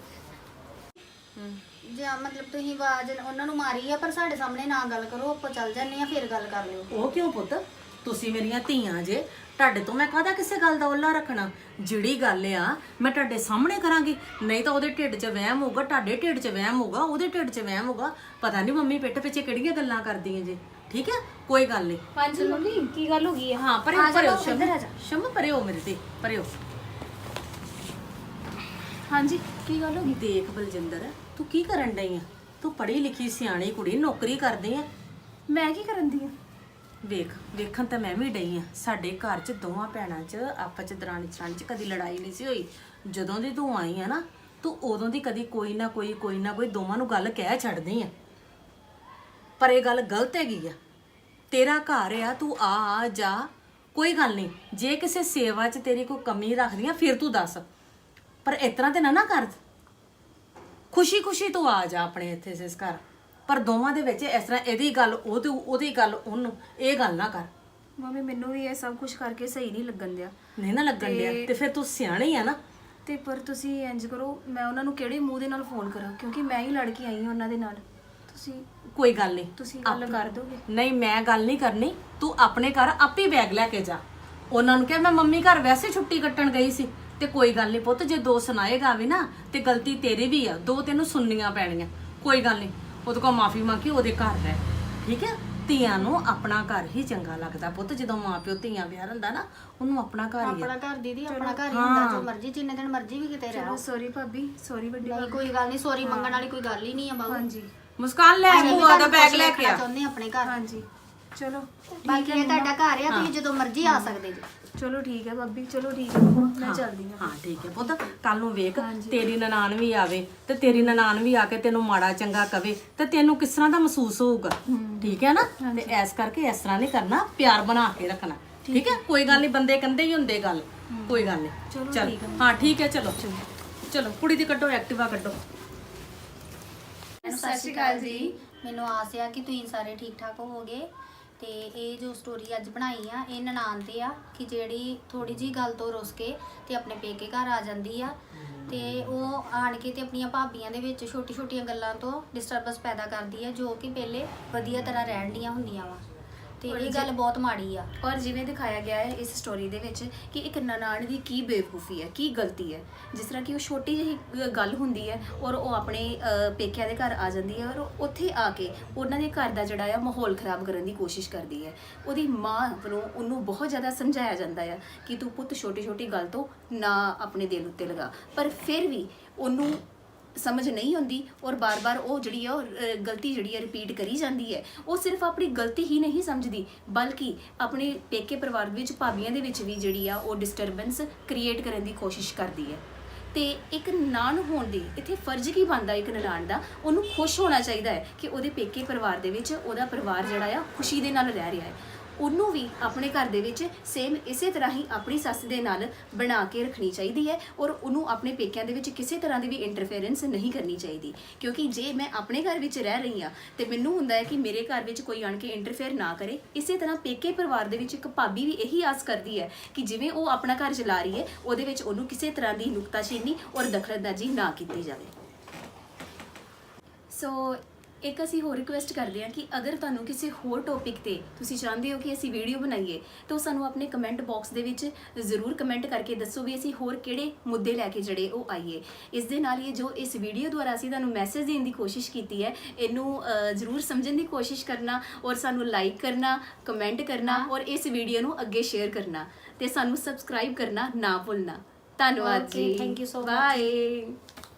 [SPEAKER 3] ਜਾਂ ਮਤਲਬ ਤੁਸੀਂ ਆਵਾਜ਼ ਉਹਨਾਂ ਨੂੰ ਮਾਰੀ ਆ, ਪਰ ਸਾਡੇ ਸਾਹਮਣੇ ਨਾ ਗੱਲ ਕਰੋ, ਆਪਾਂ ਚੱਲ ਜਾਂਦੇ ਆ, ਫਿਰ ਗੱਲ ਕਰ ਲਿਓ।
[SPEAKER 1] ਉਹ ਕਿਉਂ ਪੁੱਤ, ਤੁਸੀਂ ਮੇਰੀਆਂ ਧੀਆਂ ਜੇ, ਤੁਹਾਡੇ ਤੋਂ ਮੈਂ ਕਾਹਦਾ ਕਿਸੇ ਗੱਲ ਦਾ ਓਲਾ ਰੱਖਣਾ? ਜਿਹੜੀ ਗੱਲ ਆ ਮੈਂ ਤੁਹਾਡੇ ਸਾਹਮਣੇ ਕਰਾਂਗੀ, ਨਹੀਂ ਤਾਂ ਉਹਦੇ ਢਿੱਡ 'ਚ ਵਹਿਮ ਹੋਊਗਾ, ਤੁਹਾਡੇ ਢਿੱਡ 'ਚ ਵਹਿਮ ਹੋਊਗਾ, ਉਹਦੇ ਢਿੱਡ 'ਚ ਵਹਿਮ ਹੋਊਗਾ। ਪਤਾ ਨਹੀਂ ਮੰਮੀ ਪਿੱਠ ਪਿੱਛੇ ਕਿਹੜੀਆਂ ਗੱਲਾਂ ਕਰਦੀਆਂ ਜੇ, ਠੀਕ ਹੈ? ਕੋਈ ਗੱਲ ਨਹੀਂ।
[SPEAKER 4] ਹਾਂਜੀ ਮੰਮੀ ਕੀ ਗੱਲ ਹੋ ਗਈ ਹੈ?
[SPEAKER 1] ਹਾਂ ਪਰੇ ਪਰੇ ਸ਼ਮ ਪਰੇ ਹੋ ਮੇਰੇ ਤੇ ਪਰੇ ਹੋ।
[SPEAKER 4] ਹਾਂਜੀ ਕੀ ਗੱਲ ਹੋ ਗਈ?
[SPEAKER 1] ਦੇਖ ਬਲਜਿੰਦਰ, ਤੂੰ ਕੀ ਕਰਨ ਡਈ ਆ? ਤੂੰ ਪੜ੍ਹੀ ਲਿਖੀ ਸਿਆਣੀ ਕੁੜੀ, ਨੌਕਰੀ ਕਰਦੀ ਆ।
[SPEAKER 4] ਮੈਂ ਕੀ ਕਰਨ ਦੀ ਆ?
[SPEAKER 1] ਵੇਖਣ ਤਾਂ ਮੈਂ ਵੀ ਡਈ ਆ। ਸਾਡੇ ਘਰ 'ਚ ਦੋਵਾਂ ਭੈਣਾਂ 'ਚ ਆਪਸ 'ਚ ਦਰਾਣੀ ਜਠਾਣੀ 'ਚ ਕਦੀ ਲੜਾਈ ਨਹੀਂ ਸੀ ਹੋਈ। ਜਦੋਂ ਦੀ ਤੂੰ ਆਈ ਆ ਨਾ, ਤੂੰ ਉਦੋਂ ਦੀ ਕਦੀ ਕੋਈ ਨਾ ਕੋਈ ਦੋਵਾਂ ਨੂੰ ਗੱਲ ਕਹਿ ਛੱਡਦੀ ਆ। ਪਰ ਇਹ ਗੱਲ ਗਲਤ ਹੈਗੀ ਆ। ਤੇਰਾ ਘਰ ਆ, ਤੂੰ ਆ ਜਾ, ਕੋਈ ਗੱਲ ਨਹੀਂ। ਜੇ ਕਿਸੇ ਸੇਵਾ 'ਚ ਤੇਰੀ ਕੋਈ ਕਮੀ ਰੱਖਦੀ ਆ ਫਿਰ ਤੂੰ ਦੱਸ, ਪਰ ਇਸ ਤਰ੍ਹਾਂ ਤੇ ਨਾ ਕਰ। ਖੁਸ਼ੀ ਤੂੰ ਆ ਜਾ ਆਪਣੇ ਇੱਥੇ ਇਸ ਘਰ, ਪਰ ਦੋਵਾਂ ਦੇ ਵਿੱਚ ਇਸ ਤਰ੍ਹਾਂ ਇਹਦੀ ਗੱਲ ਉਹਦੀ ਗੱਲ ਉਹਨੂੰ, ਇਹ ਗੱਲ ਨਾ ਕਰ।
[SPEAKER 4] ਮੰਮੀ ਮੈਨੂੰ ਵੀ ਇਹ ਸਭ ਕੁਝ ਕਰਕੇ ਸਹੀ ਨਹੀਂ ਲੱਗਣ ਦਿਆ।
[SPEAKER 1] ਨਹੀਂ ਨਾ ਲੱਗਣ ਡਿਆ ਤੇ ਫਿਰ ਤੂੰ ਸਿਆਣੀ ਆ ਨਾ।
[SPEAKER 4] ਤੇ ਪਰ ਤੁਸੀਂ ਇੰਜ ਕਰੋ, ਮੈਂ ਉਹਨਾਂ ਨੂੰ ਕਿਹੜੇ ਮੂੰਹ ਦੇ ਨਾਲ ਫੋਨ ਕਰਾਂ, ਕਿਉਂਕਿ ਮੈਂ ਹੀ ਲੜ ਕੇ ਆਈ ਹਾਂ ਉਹਨਾਂ ਦੇ ਨਾਲ। ਤੁਸੀਂ
[SPEAKER 1] ਕੋਈ ਗੱਲ ਨਹੀਂ,
[SPEAKER 4] ਤੁਸੀਂ ਗੱਲ ਕਰ ਦੋਗੇ?
[SPEAKER 1] ਨਹੀਂ ਮੈਂ ਗੱਲ ਨਹੀਂ ਕਰਨੀ, ਤੂੰ ਆਪਣੇ ਘਰ ਆਪੇ ਬੈਗ ਲੈ ਕੇ ਜਾ। ਉਹਨਾਂ ਨੂੰ ਕਿਹਾ ਮੈਂ ਮੰਮੀ ਘਰ ਵੈਸੇ ਛੁੱਟੀ ਕੱਟਣ ਗਈ ਸੀ, ਤੇ ਕੋਈ ਗੱਲ ਨਹੀਂ ਪੁੱਤ, ਜੇ ਦੋ ਸੁਣਾਏਗਾ ਵੀ ਨਾ ਤੇ ਗਲਤੀ ਤੇਰੀ ਵੀ ਆ, ਦੋ ਤੈਨੂੰ ਸੁਣਨੀਆਂ ਪੈਣੀਆਂ। ਕੋਈ ਗੱਲ ਨਹੀਂ, ਉਹਦੇ ਕੋਲ ਮਾਫੀ ਮੰਗੀ, ਉਹਦੇ ਘਰ ਰਹਿ, ਠੀਕ ਹੈ? ਧੀਆਂ ਨੂੰ ਆਪਣਾ ਘਰ ਹੀ ਚੰਗਾ ਲੱਗਦਾ ਪੁੱਤ। ਜਦੋਂ ਮਾਂ ਪਿਓ ਧੀਆਂ ਵਿਆਹ ਹੁੰਦਾ ਨਾ, ਉਹਨੂੰ ਆਪਣਾ ਘਰ ਹੀ ਆ।
[SPEAKER 3] ਆਪਣਾ ਘਰ ਦੀਦੀ, ਆਪਣਾ ਘਰ ਹੀ ਹੁੰਦਾ, ਜੋ ਮਰਜ਼ੀ ਜਿੰਨੇ ਦਿਨ ਮਰਜ਼ੀ ਵੀ ਕਿਤੇ ਰਹੋ।
[SPEAKER 4] ਸੌਰੀ ਭਾਬੀ, ਸੌਰੀ ਵੱਡੀ
[SPEAKER 3] ਨਹੀਂ ਕੋਈ ਗੱਲ ਨਹੀਂ, ਸੌਰੀ ਮੰਗਣ ਵਾਲੀ ਕੋਈ ਗੱਲ ਹੀ ਨਹੀਂ ਆ ਬਾਬੂ।
[SPEAKER 4] ਹਾਂਜੀ
[SPEAKER 1] ਮੁਸਕਾਨ ਲੈ ਭੂਆ ਦਾ ਬੈਗ ਲੈ ਕੇ ਆ।
[SPEAKER 3] ਚਾਹੁੰਦੇ ਆਪਣੇ ਘਰ,
[SPEAKER 4] ਹਾਂਜੀ ਚਲੋ
[SPEAKER 3] ਬਾਕੀ ਇਹ ਤੁਹਾਡਾ ਘਰ ਆ, ਤੁਸੀਂ ਜਦੋਂ ਮਰਜ਼ੀ ਆ ਸਕਦੇ ਜੀ।
[SPEAKER 4] ਚਲੋ ਠੀਕ ਹੈ ਭਾਬੀ, ਚਲੋ ਠੀਕ ਹੈ ਮੰਮਾ, ਮੈਂ ਚੱਲਦੀ ਹਾਂ।
[SPEAKER 1] ਹਾਂ ਠੀਕ ਹੈ ਪੁੱਤ, ਕੱਲ ਨੂੰ ਵੇਖ ਤੇਰੀ ਨਨਾਣ ਵੀ ਆਵੇ ਤੇ ਤੇਰੀ ਨਨਾਣ ਵੀ ਆ ਕੇ ਤੈਨੂੰ ਮਾੜਾ ਚੰਗਾ ਕਵੇ ਤੇ ਤੈਨੂੰ ਕਿਸ ਤਰ੍ਹਾਂ ਦਾ ਮਹਿਸੂਸ ਹੋਊਗਾ, ਠੀਕ ਹੈ ਨਾ? ਤੇ ਐਸ ਕਰਕੇ ਇਸ ਤਰ੍ਹਾਂ ਨਹੀਂ ਕਰਨਾ, ਪਿਆਰ ਬਣਾ ਕੇ ਰੱਖਣਾ, ਠੀਕ ਹੈ? ਕੋਈ ਗੱਲ ਨਹੀਂ, ਬੰਦੇ ਕੰਦੇ ਹੀ ਹੁੰਦੇ ਗੱਲ, ਕੋਈ ਗੱਲ ਨਹੀਂ। ਚਲ ਹਾਂ ਠੀਕ ਹੈ, ਚਲੋ ਚਲੋ ਕੁੜੀ ਦੀ ਕੱਢੋ, ਐਕਟਿਵਾ ਕੱਢੋ।
[SPEAKER 3] ਸਤਿ ਸ਼੍ਰੀ ਅਕਾਲ ਜੀ। ਮੈਨੂੰ ਆਸ ਆ ਕਿ ਤੁਸੀਂ ਸਾਰੇ ਠੀਕ ਠਾਕ ਹੋਵੋਗੇ। ਤੇ ਇਹ ਜੋ ਸਟੋਰੀ ਅੱਜ ਬਣਾਈ ਆ, ਇਹ ਨਨਾਣ ਤੇ ਆ ਕਿ ਜਿਹੜੀ ਥੋੜੀ ਜੀ ਗੱਲ ਤੋਂ ਰੁੱਸ ਕੇ ਤੇ ਆਪਣੇ ਪੇਕੇ ਘਰ ਆ ਜਾਂਦੀ ਆ, ਤੇ ਉਹ ਆਣ ਕੇ ਤੇ ਆਪਣੀਆਂ ਭਾਬੀਆਂ ਦੇ ਵਿੱਚ ਛੋਟੀ-ਛੋਟੀਆਂ ਗੱਲਾਂ ਤੋਂ ਡਿਸਟਰਬੈਂਸ ਪੈਦਾ ਕਰਦੀ ਆ, ਜੋ ਕਿ ਪਹਿਲੇ ਵਧੀਆ ਤਰ੍ਹਾਂ ਰਹਿਣ ਦੀਆਂ ਹੁੰਦੀਆਂ ਵਾ। ਤੇ ਇਹ ਗੱਲ ਬਹੁਤ ਮਾੜੀ ਆ।
[SPEAKER 4] ਔਰ ਜਿਵੇਂ ਦਿਖਾਇਆ ਗਿਆ ਹੈ ਇਸ ਸਟੋਰੀ ਦੇ ਵਿੱਚ ਕਿ ਇੱਕ ਨਨਾਣ ਦੀ ਕੀ ਬੇਵਕੂਫੀ ਹੈ, ਕੀ ਗਲਤੀ ਹੈ। ਜਿਸ ਤਰ੍ਹਾਂ ਕਿ ਉਹ ਛੋਟੀ ਜਿਹੀ ਗੱਲ ਹੁੰਦੀ ਹੈ ਔਰ ਉਹ ਆਪਣੇ ਪੇਕਿਆਂ ਦੇ ਘਰ ਆ ਜਾਂਦੀ ਹੈ, ਔਰ ਉੱਥੇ ਆ ਕੇ ਉਹਨਾਂ ਦੇ ਘਰ ਦਾ ਜਿਹੜਾ ਆ ਮਾਹੌਲ ਖਰਾਬ ਕਰਨ ਦੀ ਕੋਸ਼ਿਸ਼ ਕਰਦੀ ਹੈ। ਉਹਦੀ ਮਾਂ ਵੱਲੋਂ ਉਹਨੂੰ ਬਹੁਤ ਜ਼ਿਆਦਾ ਸਮਝਾਇਆ ਜਾਂਦਾ ਆ ਕਿ ਤੂੰ ਪੁੱਤ ਛੋਟੀ ਗੱਲ ਤੋਂ ਨਾ ਆਪਣੇ ਦਿਲ ਉੱਤੇ ਲਗਾ, ਪਰ ਫਿਰ ਵੀ ਉਹਨੂੰ ਸਮਝ ਨਹੀਂ ਹੁੰਦੀ ਔਰ ਬਾਰ-ਬਾਰ ਉਹ ਜਿਹੜੀ ਆ ਉਹ ਗਲਤੀ ਜਿਹੜੀ ਆ ਰਿਪੀਟ ਕਰੀ ਜਾਂਦੀ ਹੈ। ਉਹ ਸਿਰਫ ਆਪਣੀ ਗਲਤੀ ਹੀ ਨਹੀਂ ਸਮਝਦੀ, ਬਲਕਿ ਆਪਣੇ ਪੇਕੇ ਪਰਿਵਾਰ ਵਿੱਚ ਭਾਬੀਆਂ ਦੇ ਵਿੱਚ ਵੀ ਜਿਹੜੀ ਆ ਉਹ ਡਿਸਟਰਬੈਂਸ ਕ੍ਰੀਏਟ ਕਰਨ ਦੀ ਕੋਸ਼ਿਸ਼ ਕਰਦੀ ਹੈ। ਤੇ ਇੱਕ ਨਨਾਣ ਹੋਣ ਦੀ ਇੱਥੇ ਫਰਜ਼ ਕੀ ਬਣਦਾ? ਇੱਕ ਨਨਾਣ ਦਾ ਉਹਨੂੰ ਖੁਸ਼ ਹੋਣਾ ਚਾਹੀਦਾ ਹੈ ਕਿ ਉਹਦੇ ਪੇਕੇ ਪਰਿਵਾਰ ਦੇ ਵਿੱਚ ਉਹਦਾ ਪਰਿਵਾਰ ਜਿਹੜਾ ਆ ਖੁਸ਼ੀ ਦੇ ਨਾਲ ਰਹਿ ਰਿਹਾ ਹੈ। ਉਹਨੂੰ ਵੀ ਆਪਣੇ ਘਰ ਦੇ ਵਿੱਚ ਸੇਮ ਇਸੇ ਤਰ੍ਹਾਂ ਹੀ ਆਪਣੀ ਸੱਸ ਦੇ ਨਾਲ ਬਣਾ ਕੇ ਰੱਖਣੀ ਚਾਹੀਦੀ ਹੈ ਔਰ ਉਹਨੂੰ ਆਪਣੇ ਪੇਕਿਆਂ ਦੇ ਵਿੱਚ ਕਿਸੇ ਤਰ੍ਹਾਂ ਦੀ ਵੀ ਇੰਟਰਫੇਰੈਂਸ ਨਹੀਂ ਕਰਨੀ ਚਾਹੀਦੀ। ਕਿਉਂਕਿ ਜੇ ਮੈਂ ਆਪਣੇ ਘਰ ਵਿੱਚ ਰਹਿ ਰਹੀ ਹਾਂ ਤੇ ਮੈਨੂੰ ਹੁੰਦਾ ਹੈ ਕਿ ਮੇਰੇ ਘਰ ਵਿੱਚ ਕੋਈ ਆਣ ਕੇ ਇੰਟਰਫੇਅਰ ਨਾ ਕਰੇ, ਇਸੇ ਤਰ੍ਹਾਂ ਪੇਕੇ ਪਰਿਵਾਰ ਦੇ ਵਿੱਚ ਇੱਕ ਭਾਬੀ ਵੀ ਇਹੀ ਆਸ ਕਰਦੀ ਹੈ ਕਿ ਜਿਵੇਂ ਉਹ ਆਪਣਾ ਘਰ ਚਲਾ ਰਹੀ ਹੈ, ਉਹਦੇ ਵਿੱਚ ਉਹਨੂੰ ਕਿਸੇ ਤਰ੍ਹਾਂ ਦੀ ਨੁਕਤਾਚੀਨੀ ਔਰ ਦਖਲਅੰਦਾਜ਼ੀ ਨਾ ਕੀਤੀ ਜਾਵੇ। ਸੋ ਇੱਕ ਅਸੀਂ ਹੋਰ ਰਿਕੁਐਸਟ ਕਰਦੇ ਹਾਂ ਕਿ ਅਗਰ ਤੁਹਾਨੂੰ ਕਿਸੇ ਹੋਰ ਟੌਪਿਕ ਤੇ ਤੁਸੀਂ ਚਾਹੁੰਦੇ ਹੋ ਕਿ ਅਸੀਂ ਵੀਡੀਓ ਬਣਾਈਏ ਤਾਂ ਸਾਨੂੰ ਆਪਣੇ ਕਮੈਂਟ ਬਾਕਸ ਦੇ ਵਿੱਚ ਜ਼ਰੂਰ ਕਮੈਂਟ ਕਰਕੇ ਦੱਸੋ ਵੀ ਅਸੀਂ ਹੋਰ ਕਿਹੜੇ ਮੁੱਦੇ ਲੈ ਕੇ ਜਿਹੜੇ ਉਹ ਆਈਏ। ਇਸ ਦੇ ਨਾਲ ਹੀ ਜੋ ਇਸ ਵੀਡੀਓ ਦੁਆਰਾ ਅਸੀਂ ਤੁਹਾਨੂੰ ਮੈਸੇਜ ਦੇਣ ਦੀ ਕੋਸ਼ਿਸ਼ ਕੀਤੀ ਹੈ, ਇਹਨੂੰ ਜ਼ਰੂਰ ਸਮਝਣ ਦੀ ਕੋਸ਼ਿਸ਼ ਕਰਨਾ ਔਰ ਸਾਨੂੰ ਲਾਈਕ ਕਰਨਾ, ਕਮੈਂਟ ਕਰਨਾ ਔਰ ਇਸ ਵੀਡੀਓ ਨੂੰ ਅੱਗੇ ਸ਼ੇਅਰ ਕਰਨਾ ਤੇ ਸਾਨੂੰ ਸਬਸਕ੍ਰਾਈਬ ਕਰਨਾ ਨਾ ਭੁੱਲਣਾ। ਧੰਨਵਾਦ ਜੀ,
[SPEAKER 3] thank you so much.
[SPEAKER 4] Bye.